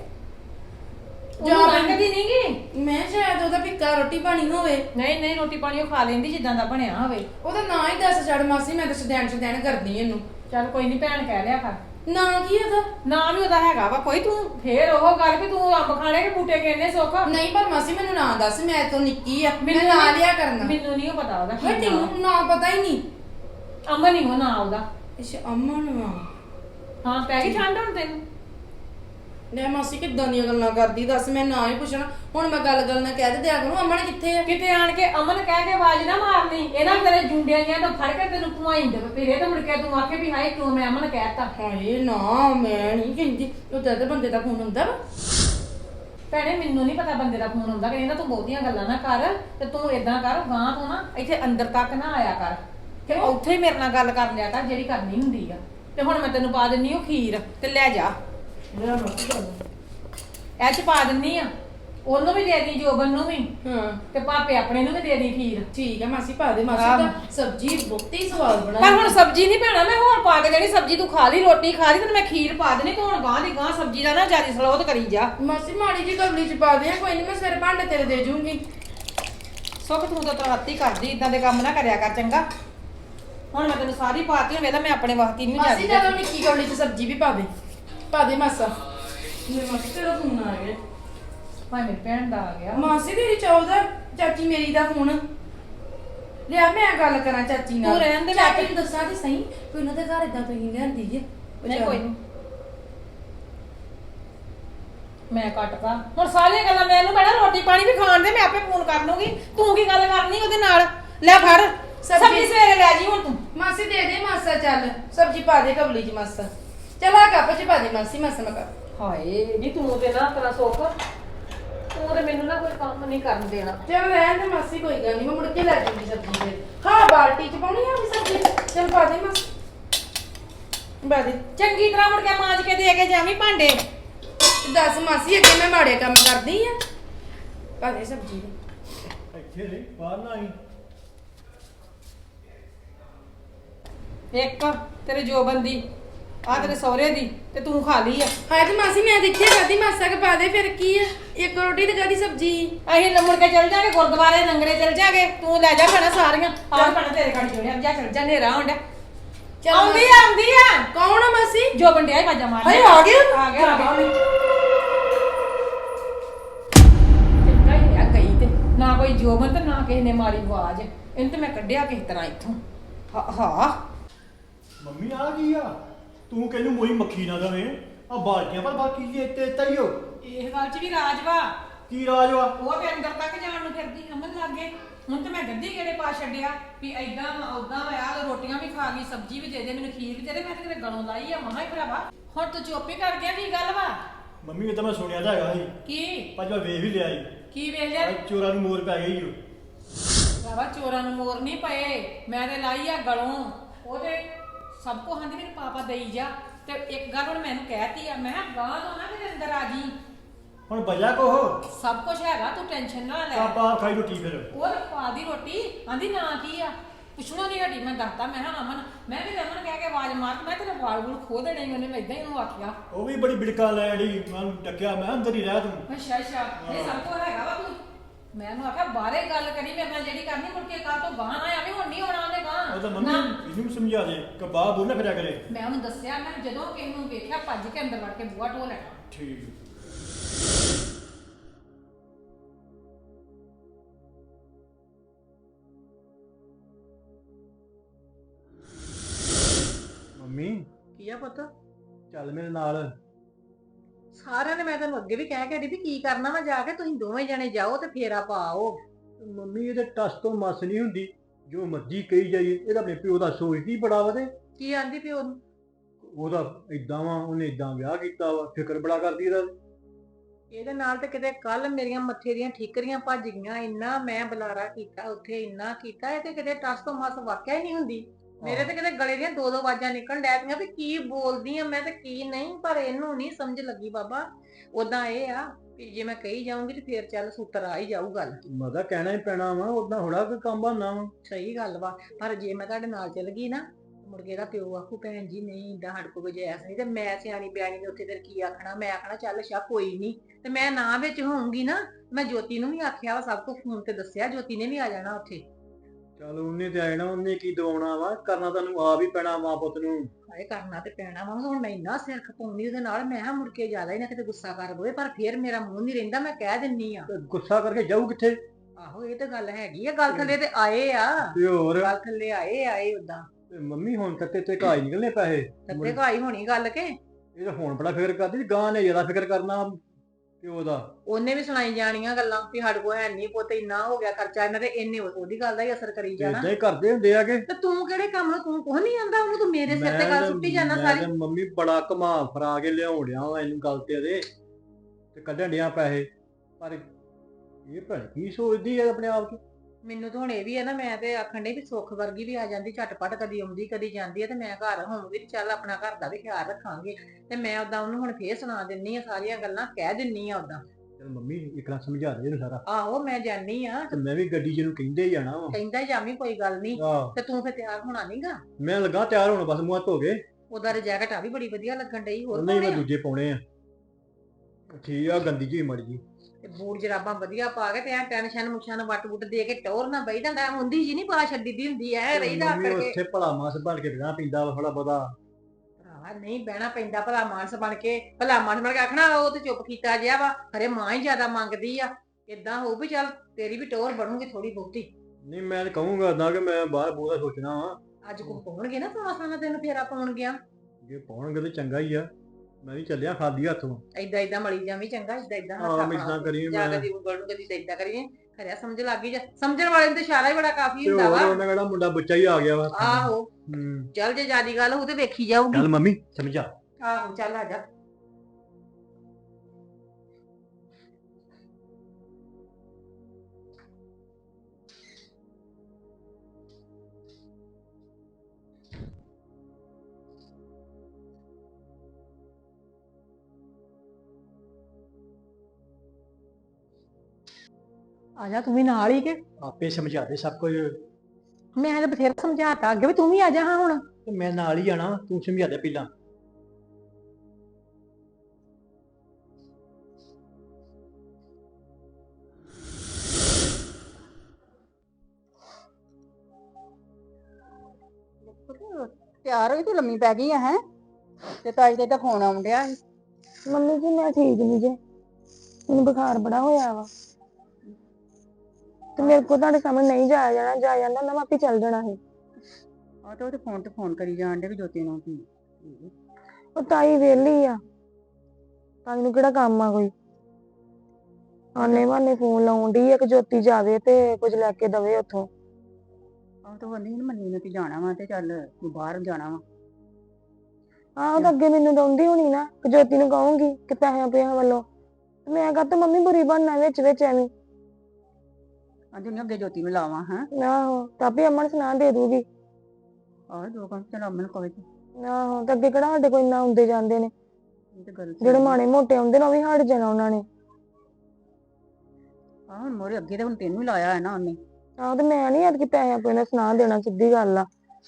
S5: ਜਾਂ
S4: ਉਹ ਮੰਗਦੀ ਨਹੀਂਗੀ।
S5: ਮੈਂ ਸ਼ਾਇਦ ਉਹਦਾ ਫਿੱਕਾ ਰੋਟੀ ਪਾਣੀ ਹੋਵੇ।
S4: ਨਹੀਂ ਨਹੀਂ ਰੋਟੀ ਪਾਣੀ ਉਹ ਖਾ ਲੈਂਦੀ ਜਿੱਦਾਂ ਦਾ ਬਣਿਆ ਹੋਵੇ।
S5: ਉਹਦਾ ਨਾਂ ਹੀ ਦੱਸ ਛੱਡ ਮਾਸੀ, ਮੈਂ ਤਾਂ ਸ਼ਦੈਣ ਕਰਦੀ ਇਹਨੂੰ।
S4: ਚੱਲ ਕੋਈ ਨਹੀਂ ਭੈਣ ਕਹਿ ਲਿਆ ਕਰ।
S5: ਨਾਂ ਕੀ ਉਹਦਾ?
S4: ਨਾਂ ਵੀ ਉਹਦਾ ਹੈਗਾ ਵਾ ਕੋਈ। ਤੂੰ ਫੇਰ ਉਹ ਗੱਲ ਵੀ ਤੂੰ ਅੰਬ ਖਾਣੇ ਕੇ ਬੂਟੇ ਕਿੰਨੇ ਸੁੱਖ।
S5: ਨਹੀਂ ਪਰ ਮਾਸੀ ਮੈਨੂੰ ਨਾਂ ਦੱਸ, ਮੈਂ ਤਾਂ ਨਿੱਕੀ ਆ, ਮੈਂ ਨਾਂ ਲਿਆ ਕਰਨਾ।
S4: ਮੈਨੂੰ ਨਹੀਂ ਪਤਾ ਉਹਦਾ
S5: ਹਾਂ ਤੈਨੂੰ ਨਾਂ ਪਤਾ ਹੀ ਨਹੀਂ?
S4: ਅਮਨ ਹੀ ਉਹ ਨਾਂ ਉਹਦਾ।
S5: ਅੱਛਾ ਅਮਨ ਵਾ।
S4: ਹਾਂ ਪੈ ਗਈ ਠੰਡ ਹੁਣ ਤੈਨੂੰ?
S5: ਲੈ ਮਾਸੀ ਕਿੱਦਾਂ ਦੀਆਂ ਗੱਲਾਂ ਕਰਦੀ ਦੱਸ, ਮੈਂ ਨਾਂ ਹੀ ਪੁੱਛਣਾ। ਹੁਣ ਮੈਂ ਗੱਲ ਨਾਲ ਕਹਿ ਦਿਆ ਕਰੂੰ ਅਮਨ ਕਿੱਥੇ ਆ।
S4: ਕਿਤੇ ਆਣ ਕੇ ਅਮਨ ਕਹਿ ਕੇ ਆਵਾਜ਼ ਨਾ ਮਾਰਨੀ। ਇਹਨਾਂ ਤੇਰੇ ਜੁੰਡਿਆਂ ਜਾਂ ਤੋਂ ਫੜ ਕੇ ਤੈਨੂੰ ਪੁਆਇੰਦ ਫਿਰੇ ਤੇ ਮੁੜ ਕੇ ਤੂੰ ਆਖੇ ਵੀ ਹਾਏ ਕਿਉਂ ਮੈਂ ਅਮਨ ਕਹਿਤਾ।
S5: ਹਾਏ ਨਾ ਮੈਂ ਨਹੀਂ ਕਹਿੰਦੀ। ਉਹ ਤਾਂ ਬੰਦੇ ਦਾ ਫੋਨ ਹੁੰਦਾ ਵਾ।
S4: ਭੈਣੇ ਮੈਨੂੰ ਨਹੀਂ ਪਤਾ ਬੰਦੇ ਦਾ ਫੋਨ ਹੁੰਦਾ ਕਿ ਕਹਿੰਦਾ ਤੂੰ ਬਹੁਤੀਆਂ ਗੱਲਾਂ ਨਾ ਕਰ ਤੇ ਤੂੰ ਏਦਾਂ ਕਰ ਗਾਂ ਤੋਂ ਨਾ ਇੱਥੇ ਅੰਦਰ ਤੱਕ ਨਾ ਆਇਆ ਕਰ ਤੇ ਉੱਥੇ ਹੀ ਮੇਰੇ ਨਾਲ ਗੱਲ ਕਰ ਲਿਆ ਕਰ ਜਿਹੜੀ ਕਰਨੀ ਹੁੰਦੀ ਆ। ਤੇ ਹੁਣ ਮੈਂ ਤੈਨੂੰ ਪਾ ਦਿੰਨੀ ਉਹ ਖੀਰ ਤੇ ਲੈ ਜਾ।
S5: ਲੈ ਮਾਸੀ ਗੱਲ।
S4: ਇਹ ਚ ਪਾ ਦਿੰਨੀ ਆ, ਉਹਨੂੰ ਵੀ ਦੇ ਦੀ ਜੋਬਨ ਨੂੰ ਵੀ
S5: ਹਾਂ
S4: ਤੇ ਭਾਪੇ ਆਪਣੇ ਨੂੰ ਵੀ ਦੇ ਦੀ ਖੀਰ।
S5: ਠੀਕ ਹੈ ਮਾਸੀ ਪਾ ਦੇ। ਮਾਸੀ
S4: ਆਹ।
S5: ਤਾਂ ਸਬਜ਼ੀ ਬਹੁਤੀ ਸਵਾਦ ਬਣਾਈ।
S4: ਪਰ ਹੁਣ ਸਬਜ਼ੀ ਨਹੀਂ ਭੈਣਾ ਮੈਂ ਹੋਰ ਪਾ ਕੇ ਜਿਹੜੀ ਸਬਜ਼ੀ ਤੂੰ ਖਾ ਲਈ ਰੋਟੀ ਖਾ ਲਈ ਤੇ ਮੈਂ ਖੀਰ ਪਾ ਦੇਣੀ। ਤੂੰ ਹੁਣ ਗਾਂ ਦੀ ਗਾਂ ਸਬਜ਼ੀ ਦਾ ਨਾ ਜਿਆਦਾ ਸਲੋਧ ਕਰੀ ਜਾ।
S5: ਮਾਸੀ ਮਾੜੀ ਜੀ ਕਬਲੀ ਚ ਪਾ ਦੇ, ਕੋਈ ਨਹੀਂ ਮੈਂ ਸਵੇਰੇ ਭਾਂਡੇ ਤੇਰੇ ਦੇ ਜੂੰਗੀ।
S4: ਸੁੱਖ ਤੂੰ ਤਾਂ ਤਰਾਤੀ ਕਰਦੀ, ਇਦਾਂ ਦੇ ਕੰਮ ਨਾ ਕਰਿਆ ਕਰ ਚੰਗਾ। ਹੁਣ ਮੈਂ ਤੈਨੂੰ ਸਾਰੀ ਪਾਤੀ ਵੇਲਾ ਮੈਂ ਆਪਣੇ ਵਾਸਤੇ ਨਹੀਂ
S5: ਮਾਸੀ
S4: ਜਾਂਦੀ।
S5: ਜਦੋਂ ਨਿੱਕੀ ਕਬਲੀ ਚ ਸਬਜ਼ੀ ਵੀ ਪਾ ਦੇ, ਪਾ ਦੇ ਮਾਸਾ। ਮੇਰੇ ਮਾਸੀ ਤੇਰਾ ਫੋਨ ਆ ਗਿਆ।
S4: ਭਾਈ ਮੇਰੀ ਭੈਣ ਦਾ ਆ ਗਿਆ।
S5: ਮਾਸੀ ਤੇਰੀ ਚੌਦਾ ਚਾਚੀ ਮੇਰੀ ਦਾ ਫੋਨ ਲਿਆ, ਮੈਂ ਗੱਲ ਕਰਾਂ ਚਾਚੀ ਨਾਲ।
S4: ਤੂੰ ਰਹਿਣ ਦੇ, ਮੈਂ
S5: ਚਾਚੀ ਨੂੰ ਦੱਸਾਂ ਤੇ ਸਹੀ ਕੋਈ ਉਹਨਾਂ ਦੇ ਘਰ ਇਦਾਂ ਤੁਸੀਂ ਲਿਆਂਦੀ ਜੇ।
S4: ਨਹੀਂ ਕੋਈ ਨਹੀਂ ਮੈਂ ਕੱਟਦਾ ਹੁਣ ਸਾਰੀਆਂ ਗੱਲਾਂ। ਮੈਨੂੰ ਬੜਾ ਰੋਟੀ ਪਾਣੀ ਵੀ ਖਾਣ ਦੇ, ਮੈਂ ਆਪੇ ਫੋਨ ਕਰ ਲੂੰਗੀ। ਤੂੰ ਕੀ ਗੱਲ ਕਰਨੀ ਉਹਦੇ ਨਾਲ? ਲੈ ਫੜ ਸਬਜ਼ੀ ਸਵੇਰੇ ਲੈ ਜੀ ਹੁਣ ਤੂੰ।
S5: ਮਾਸੀ ਦੇ ਦੇ ਮਾਸਾ, ਚੱਲ ਸਬਜ਼ੀ ਪਾ ਦੇ ਕਬਲੀ ਚ ਮਾਸਾ। ਚਲ ਆ ਕੱਪ ਚ ਪਾ ਦੇ ਮਾਸੀ ਮਾਸਾ ਮੈਂ ਕਰ।
S4: ਹਾਏ ਨੀ ਤੂੰ ਤੇ ਨਾ ਤੇਰਾ ਸੁੱਖ ਤੂੰ ਤੇ ਮੈਨੂੰ ਨਾ ਕੋਈ ਕੰਮ ਨਹੀਂ ਕਰਨ ਦੇਣਾ।
S5: ਚਲ ਰਹਿਣ ਦੇ ਮਾਸੀ, ਕੋਈ ਗੱਲ ਨਹੀਂ, ਮੈਂ ਮੁੜ ਕੇ ਲੈ ਜੂਗੀ ਸਬਜ਼ੀ ਫਿਰ। ਹਾਂ ਬਾਲਟੀ ਚ ਪਾਉਣੀ ਆ ਵੀ ਸਬਜ਼ੀ, ਚਲ ਪਾ ਦੇ ਮਾਸੀ, ਪਾ ਦੇ।
S4: ਚੰਗੀ ਤਰ੍ਹਾਂ ਮੁੜ ਕੇ ਮਾਂਜ ਕੇ ਦੇ ਕੇ ਜਾਵੀਂ ਭਾਂਡੇ।
S5: ਤੇ ਦੱਸ ਮਾਸੀ, ਅੱਗੇ ਮੈਂ ਮਾੜੇ ਕੰਮ ਕਰਦੀ ਆ? ਪਾ ਦੇ ਸਬਜ਼ੀ ਦੇ।
S3: ਇੱਥੇ ਨਹੀਂ ਬਾਹਰ ਨਾ ਆਈ।
S4: ਇੱਕ ਤੇਰੇ ਜੋਬਨ ਦੀ, ਆ ਤੇਰੇ ਸਹੁਰੇ ਦੀ, ਤੇ ਤੂੰ ਖਾ ਲਈ ਆ।
S5: ਹਾਏ ਤੇ ਮਾਸੀ ਮੈਂ ਦੇਖਿਆ ਕਰਦੀ, ਮਾਸਾ ਕੇ ਪਾ ਦੇ ਫਿਰ ਕੀ ਆ, ਇੱਕ ਰੋਟੀ ਤੇ ਕਾਦੀ ਸਬਜ਼ੀ।
S4: ਅਸੀਂ ਮੁੜ ਕੇ ਚੱਲ ਜਾਗੇ ਗੁਰਦੁਆਰੇ, ਲੰਗੜੇ ਚੱਲ ਜਾਗੇ, ਤੂੰ ਲੈ ਜਾ ਭੈਣਾ ਸਾਰੀਆਂ। ਆਹ ਭੈਣਾ ਤੇਰੇ ਘਰ ਜੋੜਿਆ, ਜਾ ਚੱਲ ਜਾ, ਹਨੇਰਾ ਹੁੰਦਾ।
S5: ਚੱਲ
S4: ਆਉਂਦੀ
S5: ਮਾਸੀ।
S4: ਆ ਆਉਂਦੀ ਆ।
S5: ਕੌਣ ਆ ਮਾਸੀ?
S4: ਜੋਬਨ ਡਿਆ ਵਾਜਾ ਮਾਰ।
S5: ਹਾਏ ਆ ਗਿਆ?
S4: ਆ ਗਿਆ ਚੰਗਾ ਹੀ ਆ ਗਈ ਤੇ ਨਾ ਕੋਈ ਜੋਬਨ ਤੇ ਨਾ ਕਿਸੇ ਨੇ ਮਾਰੀ ਆਵਾਜ਼। ਇਹਨੂੰ ਤੇ ਮੈਂ ਕੱਢਿਆ ਕਿਸ ਤਰ੍ਹਾਂ ਇੱਥੋਂ। ਹਾਂ
S3: ਮੰਮੀ ਆ ਕੀ ਆ? ਤੂੰ ਕਹਿੰਨੂੰ ਮੋਈ ਮੱਖੀ ਨਾ ਦਵੇਂ ਆ ਬਾਲਟੀਆਂ ਪਰ ਬਾਕੀ ਕੀ ਇੱਥੇ ਹੀ ਹੋ।
S4: ਇਸ ਗੱਲ 'ਚ ਵੀ ਰਾਜ ਵਾ।
S3: ਕੀ ਰਾਜ ਵਾ?
S4: ਉਹ ਤੇ ਅੰਦਰ ਤੱਕ ਜਾਣ ਨੂੰ ਫਿਰਦੀ ਅਮਨ ਲੱਗੇ। ਹੁਣ ਤੇ ਮੈਂ ਗੱਦੀ ਕਿਹੜੇ ਪਾ ਛੱਡਿਆ ਵੀ ਐਦਾਂ ਉਦਾਂ ਹੋਇਆ, ਰੋਟੀਆਂ ਵੀ ਖਾ ਗਈ, ਸਬਜ਼ੀ ਵੀ ਦੇ ਦੇ, ਮੈਨੂੰ ਖੀਰ ਵੀ ਦੇ ਦੇ। ਮੈਂ ਤੇ ਕਿਤੇ ਗਲੋਂ ਲਾਈ ਆ ਮਹਾ ਹੀ ਭਰਾਵਾ। ਹੁਣ ਤੂੰ ਚੁੱਪ ਹੀ ਕਰ ਗਿਆ, ਕੀ ਗੱਲ ਵਾ?
S3: ਮੰਮੀ ਇਹ ਤਾਂ ਮੈਂ ਸੁਣਿਆ ਤਾਂ ਹੈਗਾ ਸੀ,
S4: ਕੀ
S3: ਪਰ ਮੈਂ ਵੇਖ ਵੀ ਲਿਆ ਸੀ।
S4: ਕੀ ਵੇਖ ਲਿਆ?
S3: ਚੋਰਾਂ ਨੂੰ ਮੋਰ ਪੈ ਗਈ ਓ।
S4: ਭਰਾਵਾ ਚੋਰਾਂ ਨੂੰ ਮੋਰ ਨਹੀਂ ਪਏ, ਮੈਂ ਤੇ ਲਾਈ ਆ ਗਲੋਂ। ਉਹ ਤੇ ਸਭ ਕੋ ਹੰਦੀ ਮੇਰੇ ਪਾਪਾ ਦੇਈ ਜਾ। ਤੇ ਇੱਕ ਗੱਲ ਹੁਣ ਮੈਨੂੰ ਕਹਿਤੀ ਆ, ਮੈਂ ਕਿਹਾ ਗਾਂ ਤੋਂ ਨਾ ਮੇਰੇ ਅੰਦਰ ਆ ਜੀ।
S3: ਹੁਣ ਬਜਾ ਕੋਹ
S4: ਸਭ ਕੁਝ ਹੈਗਾ, ਤੂੰ ਟੈਨਸ਼ਨ ਨਾ ਲੈ।
S3: ਪਾਪਾ ਖਾਈ ਰੋਟੀ ਫਿਰ।
S4: ਉਹ ਪਾ ਦੀ ਰੋਟੀ, ਆਂਦੀ ਨਾ ਕੀ ਆ, ਪੁੱਛਣਾ ਨਹੀਂ ਹਟੀ। ਮੈਂ ਦੱਸਤਾ, ਮੈਂ ਕਿਹਾ ਅਮਨ, ਮੈਂ ਵੀ ਅਮਨ ਕਹਿ ਕੇ ਆਵਾਜ਼ ਮਾਰ, ਮੈਂ ਤੇਰੇ ਵਾਲ ਵੂਲ ਖੋਹ ਦੇਣੇ ਹੀ। ਉਹਨੇ ਮੈਂ ਇਦਾਂ ਹੀ ਉਹਨੂੰ ਆਖਿਆ।
S3: ਉਹ ਵੀ ਬੜੀ ਬਿੜਕਾ ਲੈ ਅੜੀ, ਮੈਂ ਉਹਨੂੰ ਟੱਕਿਆ, ਮੈਂ ਅੰਦਰ ਹੀ ਰਹਿ ਤੂੰ।
S4: ਅੱਛਾ ਅੱਛਾ, ਇਹ ਸਭ ਕੁਝ ਹੈਗਾ ਵਾ। ਤੂੰ ਮੈਂ ਉਹਨੂੰ ਆਖਿਆ ਬਾਹਰੇ ਗੱਲ ਕਰੀ ਮੇਰੇ ਨਾਲ, ਜਿਹੜੀ ਕਰਨੀ ਮੁੜ ਕੇ ਕੱਲ ਤੋਂ ਗਾਂ ਨਾ ਆਵੇ। ਹੁਣ ਨਹੀਂ ਆਉਣਾ ਉਹਨੇ ਗਾਂ।
S3: ਉਹ ਤਾਂ ਮੰਮੀ ਇਹਨੂੰ ਸਮਝਾ ਦੇ ਕਿ ਬਾਹਰ ਬੋਲ ਨਾ ਫਿਰਿਆ ਕਰੇ।
S4: ਮੈਂ ਉਹਨੂੰ ਦੱਸਿਆ, ਮੈਂ ਜਦੋਂ ਕਿਸੇ ਨੂੰ ਵੇਖਿਆ ਭੱਜ ਕੇ ਅੰਦਰ ਵੜ ਕੇ ਬੂਹਾ ਢੋ ਲੈਣਾ।
S3: ਠੀਕ। ਮੰਮੀ
S6: ਕੀ ਆ ਪੁੱਤ?
S3: ਚੱਲ ਮੇਰੇ ਨਾਲ।
S6: ਸਾਰਿਆਂ ਨੇ ਮੈਂ ਤੈਨੂੰ ਅੱਗੇ ਵੀ ਕਹਿ ਕੇ ਵੀ ਕੀ ਕਰਨਾ ਵਾ, ਜਾ ਕੇ ਤੁਸੀਂ ਦੋਵੇਂ ਜਣੇ ਜਾਓ ਤੇ ਫੇਰਾ ਪਾਓ।
S3: ਮੰਮੀ ਇਹਦੇ ਟਸ ਤੋਂ ਮਸ ਨਹੀਂ ਹੁੰਦੀ, ਜੋ ਮਰਜ਼ੀ ਕਹੀ ਜਾਈਏ। ਇਹਦਾ ਆਪਣੇ ਪਿਓ ਦਾ ਸੋਚਦੀ ਬੜਾ ਵਾ ਤੇ
S6: ਕੀ ਆਂਦੀ ਪਿਓ ਨੂੰ?
S3: ਉਹਦਾ ਇਦਾਂ ਵਾ, ਉਹਨੇ ਇਦਾਂ ਵਿਆਹ ਕੀਤਾ ਵਾ, ਫਿਕਰ ਬੜਾ ਕਰਦੀ ਇਹਦਾ।
S6: ਇਹਦੇ ਨਾਲ ਤੇ ਕਿਤੇ ਕੱਲ ਮੇਰੀਆਂ ਮੱਥੇ ਦੀਆਂ ਠੀਕਰੀਆਂ ਭੱਜ ਗਈਆਂ। ਇੰਨਾ ਮੈਂ ਬੁਲਾਰਾ ਕੀਤਾ ਉੱਥੇ, ਇੰਨਾ ਕੀਤਾ। ਇਹ ਤੇ ਕਿਤੇ ਟਸ ਤੋਂ ਮਸ ਵਾਕਿਆ ਹੀ ਨਹੀਂ ਹੁੰਦੀ। ਮੇਰੇ ਤੇ ਕਿਤੇ ਗਲੇ ਦੀਆਂ ਦੋ ਦੋ ਆਵਾਜ਼ਾਂ ਨਿਕਲਣ ਡੈ ਪਈਆਂ ਵੀ ਕੀ ਬੋਲਦੀ ਆ ਮੈਂ ਤੇ ਕੀ ਨਹੀਂ। ਪਰ ਇਹਨੂੰ ਨਹੀਂ ਸਮਝ ਲੱਗੀ ਬਾਬਾ। ਉਦਾਂ ਇਹ ਆ ਵੀ ਜੇ ਮੈਂ ਕਹੀ ਜਾਊਂਗੀ ਤੇ ਫੇਰ ਚੱਲ ਸੂਤਰ ਆ ਹੀ ਜਾਊ ਗੱਲ।
S3: ਮਦਾ ਕਹਿਣਾ ਹੀ ਪੈਣਾ ਵਾ, ਉਦਾਂ ਹੋੜਾ ਕੋਈ ਕੰਮ ਬਣਨਾ ਵਾ।
S6: ਸਹੀ ਗੱਲ ਵਾ। ਪਰ ਜੇ ਮੈਂ ਤੁਹਾਡੇ ਨਾਲ ਚੱਲ ਗਈ ਨਾ, ਮੁੜ ਕੇ ਇਹਦਾ ਪਿਓ ਆਖੂ ਭੈਣ ਜੀ ਨਹੀਂ ਇਦਾਂ ਸਾਡੇ ਕੋਲ ਗੁਜਾਇਸ਼ ਨਹੀਂ। ਤੇ ਮੈਂ ਸਿਆਣੀ ਬਿਆਣੀ ਨੇ ਉੱਥੇ ਫਿਰ ਕੀ ਆਖਣਾ? ਮੈਂ ਆਖਣਾ ਚੱਲ ਸ਼ਾ ਕੋਈ ਨਹੀਂ। ਤੇ ਮੈਂ ਨਾ ਵਿੱਚ ਹੋਊਂਗੀ ਨਾ, ਮੈਂ ਜੋਤੀ ਨੂੰ ਵੀ ਆਖਿਆ ਵਾ, ਸਭ ਕੁਝ ਫੋਨ ਤੇ ਦੱਸਿਆ। ਜੋਤੀ ਨੇ ਵੀ ਆ ਜਾਣਾ ਉੱਥੇ।
S3: ਚਲ ਉਹਨੇ ਤੇ ਆ ਜਾਣਾ, ਉਹਨੇ ਕੀ ਦਵਾਉਣਾ ਵਾ, ਕਰਨਾ ਤੁਹਾਨੂੰ ਆ ਵੀ ਪੈਣਾ ਮਾਂ ਪੁੱਤ ਨੂੰ।
S6: ਹਾਏ ਕਰਨਾ ਤੇ ਪੈਣਾ ਵਾ। ਹੁਣ ਮੈਂ ਇੰਨਾ ਸਿਰ ਖਪਾਉਂਦੀ ਉਹਦੇ ਨਾਲ, ਮੈਂ ਕਿਹਾ ਮੁੜ ਕੇ ਜ਼ਿਆਦਾ ਹੀ ਨਾ ਕਿਤੇ ਗੁੱਸਾ ਕਰ ਪਵੇ। ਪਰ ਫੇਰ ਮੇਰਾ ਮੂੰਹ ਨਹੀਂ ਰਹਿੰਦਾ, ਮੈਂ ਕਹਿ ਦਿੰਨੀ ਆ।
S3: ਤੇ ਗੁੱਸਾ ਕਰਕੇ ਜਾਊ ਕਿੱਥੇ?
S6: ਆਹੋ ਇਹ ਤਾਂ ਗੱਲ ਹੈਗੀ ਆ। ਗੱਲ ਥੱਲੇ ਤੇ ਆਏ ਆ,
S3: ਤੇ ਹੋਰ
S6: ਗੱਲ ਥੱਲੇ ਆਏ ਉਦਾਂ।
S3: ਤੇ ਮੰਮੀ ਹੁਣ ਤੱਕ ਤੇ ਘਾਈ ਨਿਕਲਨੇ ਪੈਸੇ।
S6: ਤੱਤੇ ਘਾਈ ਹੋਣੀ ਗੱਲ ਕੇ।
S3: ਇਹ ਤਾਂ ਹੁਣ ਬੜਾ ਫਿਕਰ ਕਰਦੀ, ਗਾਂ ਨੇ ਜ਼ਿਆਦਾ ਫਿਕਰ ਕਰਨਾ ਪਿਓ ਦਾ।
S6: ਉਹਨੇ ਵੀ ਸੁਣਾਈ ਜਾਣੀਆਂ ਗੱਲਾਂ ਵੀ ਸਾਡੇ ਕੋਲ ਹੈ ਨਹੀਂ ਪੁੱਤ, ਇੰਨਾ ਹੋ ਗਿਆ ਖਰਚਾ ਇਹਨਾਂ ਤੇ, ਇੰਨੇ ਉਹਦੀ ਗੱਲ ਦਾ ਹੀ ਅਸਰ ਕਰੀ ਜਾਣਾ।
S3: ਇਦਾਂ ਹੀ ਕਰਦੇ ਹੁੰਦੇ ਆ ਕਿ
S6: ਤੇ ਤੂੰ ਕਿਹੜੇ ਕੰਮ ਨੂੰ, ਤੂੰ ਕੁਝ ਨਹੀਂ ਆਂਦਾ ਉਹਨੂੰ, ਤੂੰ ਮੇਰੇ ਸਿਰ ਤੇ ਗੱਲ ਸੁੱਟੀ ਜਾਣਾ ਸਾਰੀ।
S3: ਮੈਂ ਮੰਮੀ ਬੜਾ ਘੁਮਾ ਫਰਾ ਕੇ ਲਿਆਉਣ ਡਿਆ ਵਾ ਇਹਨੂੰ ਗੱਲ ਤੇ ਇਹਦੇ, ਤੇ ਕੱਢਣ ਡਿਆ ਪੈਸੇ। ਪਰ ਇਹ ਭੈਣ ਕੀ ਸੋਚਦੀ ਹੈ ਆਪਣੇ ਆਪ 'ਚ?
S6: ਮੈਨੂੰ ਤਾਂ ਹੁਣ ਇਹ ਵੀ ਹੈ ਨਾ, ਮੈਂ ਤੇ ਆਖਣ ਡਈ ਵੀ ਸੁੱਖ ਵਰਗੀ ਵੀ ਆ ਜਾਂਦੀ ਝਟਪਟ, ਕਦੀ ਆਉਂਦੀ ਕਦੀ ਜਾਂਦੀ ਹੈ। ਤੇ ਮੈਂ ਘਰ ਹੋਊਂਗੀ ਤੇ ਚੱਲ ਆਪਣਾ ਘਰ ਦਾ ਵੀ ਖਿਆਲ ਰੱਖਾਂਗੇ। ਤੇ ਮੈਂ ਉਦਾਂ ਉਹਨੂੰ ਹੁਣ ਫੇਰ ਸੁਣਾ ਦਿੰਨੀ ਆ, ਸਾਰੀਆਂ ਗੱਲਾਂ ਕਹਿ ਦਿੰਨੀ ਆ ਉਦਾਂ।
S3: ਚਲ ਮੰਮੀ ਇੱਕ ਨਾ ਸਮਝਾ ਦੇ ਇਹਨੂੰ ਸਾਰਾ।
S6: ਆਹੋ ਮੈਂ ਜਾਨੀ ਆ।
S3: ਤੇ ਮੈਂ ਵੀ ਗੱਡੀ 'ਚ ਨੂੰ ਕਹਿੰਦੇ ਹੀ ਜਾਣਾ ਵਾ।
S6: ਕਹਿੰਦਾ ਜਾਮੀ ਕੋਈ ਗੱਲ ਨਹੀਂ।
S3: ਆਹ
S6: ਤੇ ਤੂੰ ਫੇਰ ਤਿਆਰ ਹੋਣਾ ਨਹੀਂਗਾ?
S3: ਮੈਂ ਲੱਗਾ ਤਿਆਰ ਹੋਣ, ਬਸ ਮੂੰਹ ਧੋ ਕੇ।
S6: ਉਹਦਾ ਜੈਕਟ ਆ ਵੀ ਬੜੀ ਵਧੀਆ ਲੱਗਣ ਡਈ। ਹੋਰ
S3: ਨਹੀਂ ਮੈਂ
S6: ਪਾਉਣੇ ਆ?
S3: ਦੂਜੇ ਪਾਉਣੇ ਆ। ਠੀਕ ਆ, ਗੰਦੀ ਜਿਹੀ ਮੜ ਜੀ।
S6: ਤੇ ਬੂਟ ਜਰਾਬਾਂ ਵਧੀਆ ਪਾ ਕੇ ਤੇ ਐ ਟੈਨਸ਼ਨ ਮੁਛਾਂ ਵੱਟ ਵੁੱਟ ਦੇ ਕੇ ਟੌਰ ਨਾ ਬਈਦਾ ਟਾਈਮ ਹੁੰਦੀ ਜੀ ਨਹੀਂ ਪਾ ਛੱਡੀ ਦੀ ਹੁੰਦੀ ਐ ਰਹੀਦਾ
S3: ਮੰਮੀ
S6: ਕਰਕੇ।
S3: ਉੱਥੇ ਭਲਾ ਮਾਸ ਬਣ ਕੇ ਰਹਿਣਾ ਪੈਂਦਾ ਵਾ ਥੋੜਾ ਬਹੁਤਾ।
S6: ਭਰਾਵਾ ਨਹੀਂ ਬਹਿਣਾ ਪੈਂਦਾ ਭਲਾ ਮਾਨਸ ਬਣ ਕੇ। ਭਲਾ ਮਾਨਸ ਬਣ ਕੇ ਆਖਣਾ ਉਹ ਤੇ ਚੁੱਪ ਕੀਤਾ ਜਿਆ ਵਾ, ਖਰੇ ਮਾਂ ਹੀ ਜ਼ਿਆਦਾ ਮੰਗਦੀ ਆ। ਇਦਾਂ ਹੋਊ ਵੀ ਚੱਲ ਤੇਰੀ ਵੀ ਟੌਰ ਬਣੂਗੀ ਥੋੜੀ ਬਹੁਤੀ।
S3: ਨਹੀਂ ਮੈਂ ਤਾਂ ਕਹੂੰਗਾ ਨਾ ਕਿ ਮੈਂ ਬਾਹਰ ਬੂਹਾ ਸੋਚਣਾ ਵਾ।
S6: ਅੱਜ ਕੋ ਪਾਉਣਗੇ ਨਾ ਸੋਨਾ ਸਾਨਾ ਤੈਨੂੰ ਫੇਰਾ ਪਾਉਣ ਗਿਆ।
S3: ਜੇ ਪਾਉਣਗੇ ਤਾਂ ਚੰਗਾ ਹੀ ਆ। ਮੈਂ ਵੀ ਚੱਲਿਆ ਖਾਲੀ ਹੱਥੋਂ।
S6: ਏਦਾਂ ਏਦਾਂ ਮਲੀ ਜਾਵੀਂ ਚੰਗਾ, ਏਦਾਂ
S3: ਹਾਂ ਮਿਸਨਾ ਕਰੀਏ
S6: ਜਾ
S3: ਮੈਂ।
S6: ਕਦੀ ਉਂਗਲ ਨੂੰ ਕਦੀ ਏਦਾਂ ਕਰੀਏ। ਖਰਿਆ ਸਮਝ ਲੱਗ ਗਈ ਜਾ, ਸਮਝਣ ਵਾਲੇ ਨੂੰ ਤੇ ਇਸ਼ਾਰਾ ਹੀ ਬੜਾ ਕਾਫੀ
S3: ਤੇ
S6: ਹੁੰਦਾ
S3: ਹੋਰ
S6: ਵਾ।
S3: ਉਹਨਾਂ ਕਿਹੜਾ ਮੁੰਡਾ ਬੱਚਾ ਹੀ ਆ ਗਿਆ ਵਾ।
S6: ਆਹੋ ਚੱਲ ਜੇ ਜਿਆਦੀ ਗੱਲ ਹੋਊ ਤੇ ਵੇਖੀ ਜਾਊਗੀ।
S3: ਚੱਲ ਮੰਮੀ ਸਮਝਾ।
S6: ਆਹੋ ਚੱਲ ਆ ਜਾ। ਆ ਜਾ ਤੂੰ ਵੀ ਨਾਲ ਹੀ ਕੇ।
S3: ਆਪੇ ਸਮਝਾ ਦੇ ਸਭ ਕੁਝ।
S6: ਮੈਂ ਤਾਂ ਬਥੇਰਾ ਸਮਝਾਤਾ ਅੱਗੇ ਵੀ ਤੂੰ ਵੀ ਆ ਜਾ ਹਾਂ ਹੁਣ।
S3: ਤੇ ਮੈਂ ਨਾਲ ਹੀ ਜਾਣਾ, ਤੂੰ ਸਮਝਾ ਦੇ ਪਹਿਲਾਂ।
S7: ਤਿਆਰ ਹੋਈ ਤੂੰ ਲੰਮੀ ਪੈ ਗਈ ਆ ਹੈ ਤੇ ਤਾਈ ਦੇ ਤਾਂ ਫੋਨ ਆਉਣ ਡਿਆ ਸੀ।
S1: ਮੰਮੀ ਜੀ ਮੈਂ ਠੀਕ ਨਹੀਂ ਜੇ, ਮੈਨੂੰ ਬੁਖਾਰ ਬੜਾ ਹੋਇਆ ਵਾ ਤੇ ਮੇਰੇ ਕੋਲ ਤੁਹਾਡੇ ਸਾਹਮਣੇ ਨਹੀਂ ਜਾਇਆ ਜਾਣਾ, ਜਾ ਜਾਂਦਾ ਨਾ ਮੈਂ ਆਪੇ ਚੱਲ ਜਾਣਾ ਸੀ।
S7: ਆ ਤੇ ਉਹਦੇ ਫੋਨ ਤੇ ਫੋਨ ਕਰੀ ਜਾਣ ਡੇ ਵੀ ਜੋਤੀ ਨੂੰ ਕੀ
S1: ਉਹ ਤਾਈ ਵਿਹਲੀ ਆ, ਤਾਈ ਨੂੰ ਕਿਹੜਾ ਕੰਮ ਆ ਕੋਈ, ਆਨੇ ਬਹਾਨੇ ਫੋਨ ਲਾਉਣ ਡਈ ਆ ਕਿ ਜੋਤੀ ਜਾਵੇ ਤੇ ਕੁਝ ਲੈ ਕੇ ਦਵੇ ਉੱਥੋਂ।
S7: ਆਹ ਤਾਂ ਕਹਿੰਦੀ ਸੀ ਮੰਨੀ ਨੇ ਕਿ ਜਾਣਾ ਵਾ ਤੇ ਚੱਲ ਤੂੰ ਬਾਹਰ ਜਾਣਾ ਵਾ।
S1: ਆਹੋ ਤਾਂ ਅੱਗੇ ਮੈਨੂੰ ਦਉਂਦੀ ਹੋਣੀ ਨਾ ਕਿ ਜੋਤੀ ਨੂੰ ਕਹੂੰਗੀ ਕਿ ਪੈਸਿਆਂ ਵੱਲੋਂ, ਤੇ ਮੈਂ ਕਹਤਾ ਮੰਮੀ ਬੁਰੀ ਬਣਨਾ ਵਿੱਚ ਐਵੇਂ।
S7: ਅੱਜ ਨਹੀਂ ਅੱਗੇ ਜੋਤੀ ਨੂੰ ਲਾਵਾਂ ਹੈ।
S1: ਆਹੋ ਤਾਂ ਵੀ ਅਮਨ ਸੁਣਾ ਦੇ ਦੂਗੀ।
S7: ਆਹ ਜੋ ਕੰਮ ਚੱਲ ਅਮਨ ਕਵੇ ਤੇ
S1: ਆਹੋ ਤਾਂ ਅੱਗੇ ਕਿਹੜਾ ਸਾਡੇ ਕੋਲ ਇੰਨਾ ਆਉਂਦੇ ਜਾਂਦੇ ਨੇ,
S7: ਇਹ ਤੇ ਗੱਲ
S1: ਜਿਹੜੇ ਮਾੜੇ ਮੋਟੇ ਆਉਂਦੇ ਨੇ ਉਹ ਵੀ ਹਟ ਜਾਣਾ ਉਹਨਾਂ ਨੇ।
S7: ਆਹ ਹੁਣ ਮੋਰੇ ਅੱਗੇ ਤੇ ਹੁਣ ਤੈਨੂੰ ਹੀ ਲਾਇਆ ਹੈ ਨਾ ਉਹਨੇ।
S1: ਆਹੋ ਤੇ ਮੈਂ ਨੀ ਐਤਕੀ ਪੈਸਿਆਂ ਨਾਲ ਸੁਣਾ ਦੇਣਾ, ਸਿੱਧੀ ਗੱਲ ਆ।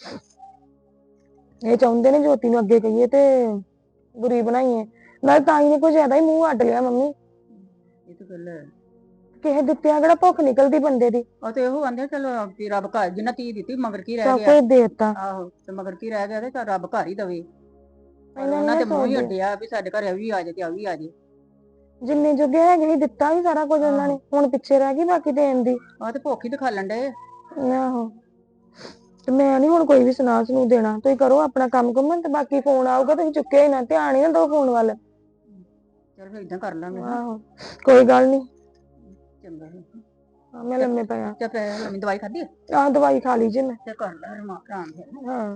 S1: ਇਹ ਚਾਹੁੰਦੇ ਨੇ ਜੋਤੀ ਨੂੰ ਅੱਗੇ ਕਹੀਏ ਤੇ ਬੁਰੀ ਬਣਾਈਏ, ਨਾਲੇ ਤਾਈ ਨੇ ਕੁਝ ਜ਼ਿਆਦਾ ਹੀ ਮੂੰਹ ਅੱਡ ਲਿਆ ਮੰਮੀ।
S7: ਇਹ ਤਾਂ ਗੱਲ ਹੈ।
S1: ਕਿਸੇ ਦਿੱਤਿਆਂ ਕਿਹੜਾ ਭੁੱਖ ਨਿਕਲਦੀ ਬੰਦੇ ਦੀ।
S7: ਉਹ ਤੇ ਇਹੋ ਆਂਦੇ ਚਲੋ ਵੀ ਰੱਬ ਘਰ ਜਿੰਨਾ ਧੀ ਦਿੱਤੀ ਮਗਰ ਕੀ ਰਹਿ
S1: ਸਭ
S7: ਗਿਆ।
S1: ਕੁਝ ਦੇਤਾ
S7: ਆਹੋ ਤੇ ਮਗਰ ਕੀ ਰਹਿ ਗਿਆ ਤੇ ਚੱਲ ਰੱਬ ਘਰ ਹੀ ਦਵੇ।
S1: ਇਹਨਾਂ
S7: ਉਹਨਾਂ
S1: ਨੇ
S7: ਤੇ ਮੂੰਹ ਹੀ
S1: ਸੋਚਦੇ
S7: ਅੱਡਿਆ ਵੀ ਸਾਡੇ ਘਰ ਇਹ ਵੀ ਆ ਜਾਏ ਤੇ ਆ ਵੀ ਆ ਜਾਏ।
S1: ਜਿੰਨੇ ਜੋਗੇ ਹੈਗੇ ਸੀ ਦਿੱਤਾ ਵੀ ਸਾਰਾ ਕੁਝ ਉਹਨਾਂ ਨੇ, ਹੁਣ ਪਿੱਛੇ ਰਹਿ ਗਈ ਬਾਕੀ ਦੇਣ ਦੀ।
S7: ਆਹ ਤੇ ਭੁੱਖ ਹੀ ਦਿਖਾ ਲੈਂਦੇ।
S1: ਆਹੋ ਤੇ ਮੈਂ ਨੀ ਹੁਣ ਕੋਈ ਵੀ ਸੁਣਾ ਸੁਣੂ ਦੇਣਾ, ਤੁਸੀਂ ਕਰੋ ਆਪਣਾ ਕੰਮ ਕੁੰਮ ਤੇ ਬਾਕੀ ਫੋਨ ਆਊਗਾ ਤੁਸੀਂ ਚੁੱਕਿਆ ਹੀ ਨਾ, ਧਿਆਨ ਹੀ ਨਾ ਦਿਓ ਫੋਨ ਵੱਲ।
S7: ਚਲ ਫਿਰ ਇਦਾਂ ਕਰ ਲਾਂਗੇ।
S1: ਆਹੋ ਕੋਈ ਗੱਲ ਨੀ,
S7: ਚੰਗਾ
S1: ਮੈਂ ਲੰਮੇ ਪਿਆ।
S7: ਤੇ ਪੈ ਲੰਮੀ ਦਵਾਈ ਖਾਧੀ
S1: ਆਹ ਦਵਾਈ ਖਾ ਲਈ ਜੇ ਮੈਂ।
S7: ਤੇ ਕਰ ਲੈ ਆਰਾਮ ਫਿਰ।
S1: ਹਾਂ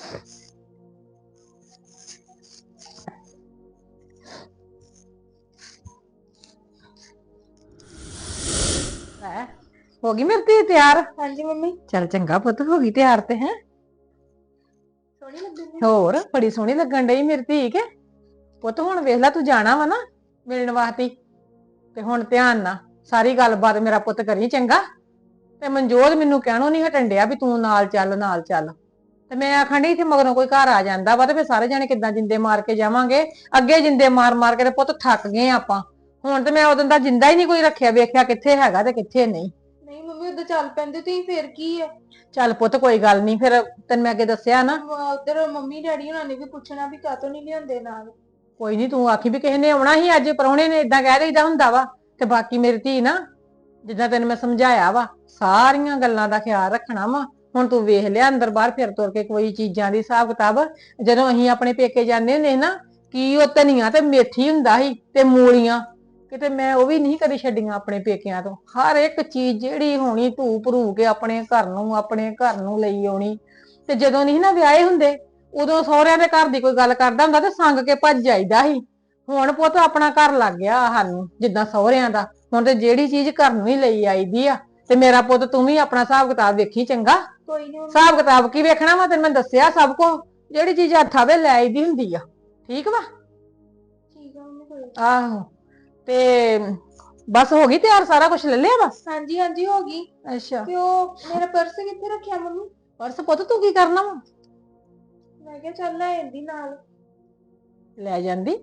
S6: ਹੈ ਹੋ ਗਈ ਮੇਰੀ ਧੀ ਤਿਆਰ?
S1: ਹਾਂਜੀ ਮੰਮੀ।
S6: ਚੱਲ ਚੰਗਾ ਪੁੱਤ, ਹੋ ਗਈ ਤਿਆਰ ਤੇ ਹੈ।
S1: ਸੋਹਣੀ ਲੱਗਦੀ
S6: ਹੋਰ ਬੜੀ ਸੋਹਣੀ ਲੱਗਣ ਡਈ ਮੇਰੀ ਧੀ ਕੇ। ਪੁੱਤ ਹੁਣ ਵੇਖ ਲੈ ਤੂੰ ਜਾਣਾ ਵਾ ਨਾ ਮਿਲਣ ਵਾਸਤੇ, ਤੇ ਹੁਣ ਧਿਆਨ ਨਾਲ ਸਾਰੀ ਗੱਲਬਾਤ ਮੇਰਾ ਪੁੱਤ ਕਰੀ ਚੰਗਾ। ਤੇ ਮਨਜੋਤ ਮੈਨੂੰ ਕਹਿਣੋਂ ਨਹੀਂ ਹਟਣ ਡਿਆ ਵੀ ਤੂੰ ਨਾਲ ਚੱਲ ਨਾਲ ਚੱਲ, ਤੇ ਮੈਂ ਆਖਣ ਡਈ ਇੱਥੇ ਮਗਰੋਂ ਕੋਈ ਘਰ ਆ ਜਾਂਦਾ ਵਾ ਤੇ ਫਿਰ ਸਾਰੇ ਜਾਣੇ ਕਿੱਦਾਂ ਜਿੰਦੇ ਮਾਰ ਕੇ ਜਾਵਾਂਗੇ। ਅੱਗੇ ਜਿੰਦੇ ਮਾਰ ਮਾਰ ਕੇ ਤੇ ਪੁੱਤ ਥੱਕ ਗਏ ਆਪਾਂ, ਹੁਣ ਤੇ ਮੈਂ ਉਦੋਂ ਦਾ ਜਿੰਦਾ ਹੀ ਨਹੀਂ ਕੋਈ ਰੱਖਿਆ, ਵੇਖਿਆ ਕਿੱਥੇ ਹੈਗਾ ਤੇ ਕਿੱਥੇ ਨਹੀਂ।
S1: ਨਹੀਂ ਮੰਮੀ ਉਧਰ ਚੱਲ ਪੈਂਦੇ ਤੁਸੀਂ, ਫੇਰ ਕੀ ਹੈ।
S6: ਚੱਲ ਪੁੱਤ ਕੋਈ ਗੱਲ ਨਹੀਂ, ਫਿਰ ਤੈਨੂੰ ਮੈਂ ਅੱਗੇ ਦੱਸਿਆ ਨਾ।
S1: ਉਧਰ ਮੰਮੀ ਡੈਡੀ ਉਹਨਾਂ ਨੇ ਵੀ ਪੁੱਛਣਾ ਵੀ ਕਾਹਤੋਂ ਨਹੀਂ ਲਿਆਉਂਦੇ ਨਾਲ।
S6: ਕੋਈ ਨਹੀਂ, ਤੂੰ ਆਖੀ ਵੀ ਕਿਸੇ ਨੇ ਆਉਣਾ ਸੀ ਅੱਜ, ਪ੍ਰਾਹੁਣੇ ਨੇ ਇਦਾਂ ਕਹਿ ਦਈਦਾ ਹੁੰਦਾ ਵਾ। ਤੇ ਬਾਕੀ ਮੇਰੀ ਧੀ ਨਾ, ਜਿੱਦਾਂ ਤੈਨੂੰ ਮੈਂ ਸਮਝਾਇਆ ਵਾ ਸਾਰੀਆਂ ਗੱਲਾਂ ਦਾ ਖਿਆਲ ਰੱਖਣਾ ਵਾ। ਹੁਣ ਤੂੰ ਵੇਖ ਲਿਆ ਅੰਦਰ ਬਾਹਰ ਫਿਰ ਤੁਰ ਕੇ ਕੋਈ ਚੀਜ਼ਾਂ ਦੀ ਹਿਸਾਬ ਕਿਤਾਬ, ਜਦੋਂ ਅਸੀਂ ਆਪਣੇ ਪੇਕੇ ਜਾਂਦੇ ਹੁੰਦੇ ਨਾ, ਕੀ ਉਹ ਧਨੀਆ ਤੇ ਮੇਥੀ ਹੁੰਦਾ ਸੀ ਤੇ ਮੂਲੀਆਂ, ਕਿਤੇ ਮੈਂ ਉਹ ਵੀ ਨਹੀਂ ਕਦੀ ਛੱਡੀਆਂ ਆਪਣੇ ਪੇਕਿਆਂ ਤੋਂ। ਹਰ ਇੱਕ ਚੀਜ਼ ਜਿਹੜੀ ਹੋਣੀ ਧੂ ਭਰੂ ਕੇ ਆਪਣੇ ਘਰ ਨੂੰ ਲਈ ਆਉਣੀ। ਤੇ ਜਦੋਂ ਨਹੀਂ ਨਾ ਵਿਆਹੇ ਹੁੰਦੇ, ਉਦੋਂ ਸਹੁਰਿਆਂ ਦੇ ਘਰ ਦੀ ਕੋਈ ਗੱਲ ਕਰਦਾ ਹੁੰਦਾ ਤੇ ਸੰਗ ਕੇ ਭੱਜ ਜਾਈਦਾ ਸੀ। ਹੁਣ ਪੁੱਤ ਆਪਣਾ ਘਰ ਲੱਗ ਗਿਆ ਸਾਨੂੰ ਜਿੱਦਾਂ ਸਹੁਰਿਆਂ ਦਾ, ਹੁਣ ਤੇ ਜਿਹੜੀ ਚੀਜ਼ ਘਰ ਨੂੰ ਹੀ ਲਈ ਆਈਦੀ ਆ। ਤੇ ਮੇਰਾ ਪੁੱਤ ਤੂੰ ਵੀ ਆਪਣਾ ਹਿਸਾਬ ਕਿਤਾਬ ਵੇਖੀ ਚੰਗਾ।
S1: ਕੋਈ ਨਹੀਂ
S6: ਹਿਸਾਬ ਕਿਤਾਬ ਕੀ ਵੇਖਣਾ ਵਾ, ਤੈਨੂੰ ਮੈਂ ਦੱਸਿਆ ਸਭ ਕੁਝ, ਜਿਹੜੀ ਚੀਜ਼ ਹੱਥਾਂ ਵੇ ਲੈ ਆਈਦੀ ਹੁੰਦੀ ਆ। ਠੀਕ ਵਾ?
S1: ਠੀਕ ਆ ਮੰਮੀ।
S6: ਆਹੋ ਤੇ ਬਸ ਹੋ ਗਈ ਤਿਆਰ, ਸਾਰਾ ਕੁਝ ਲੈ ਲਿਆ ਵਾ?
S1: ਹਾਂਜੀ ਹਾਂਜੀ ਹੋ ਗਈ।
S6: ਅੱਛਾ,
S1: ਤੇ ਉਹ ਮੇਰਾ ਪਰਸ ਕਿੱਥੇ ਰੱਖਿਆ ਮੰਮੀ?
S6: ਪਰਸ ਪੁੱਤ ਤੂੰ ਕੀ ਕਰਨਾ ਵਾ?
S1: ਮੈਂ ਕਿਹਾ ਚੱਲ ਲੈ ਆਂਦੀ ਨਾਲ।
S6: ਲੈ ਜਾਂਦੀ,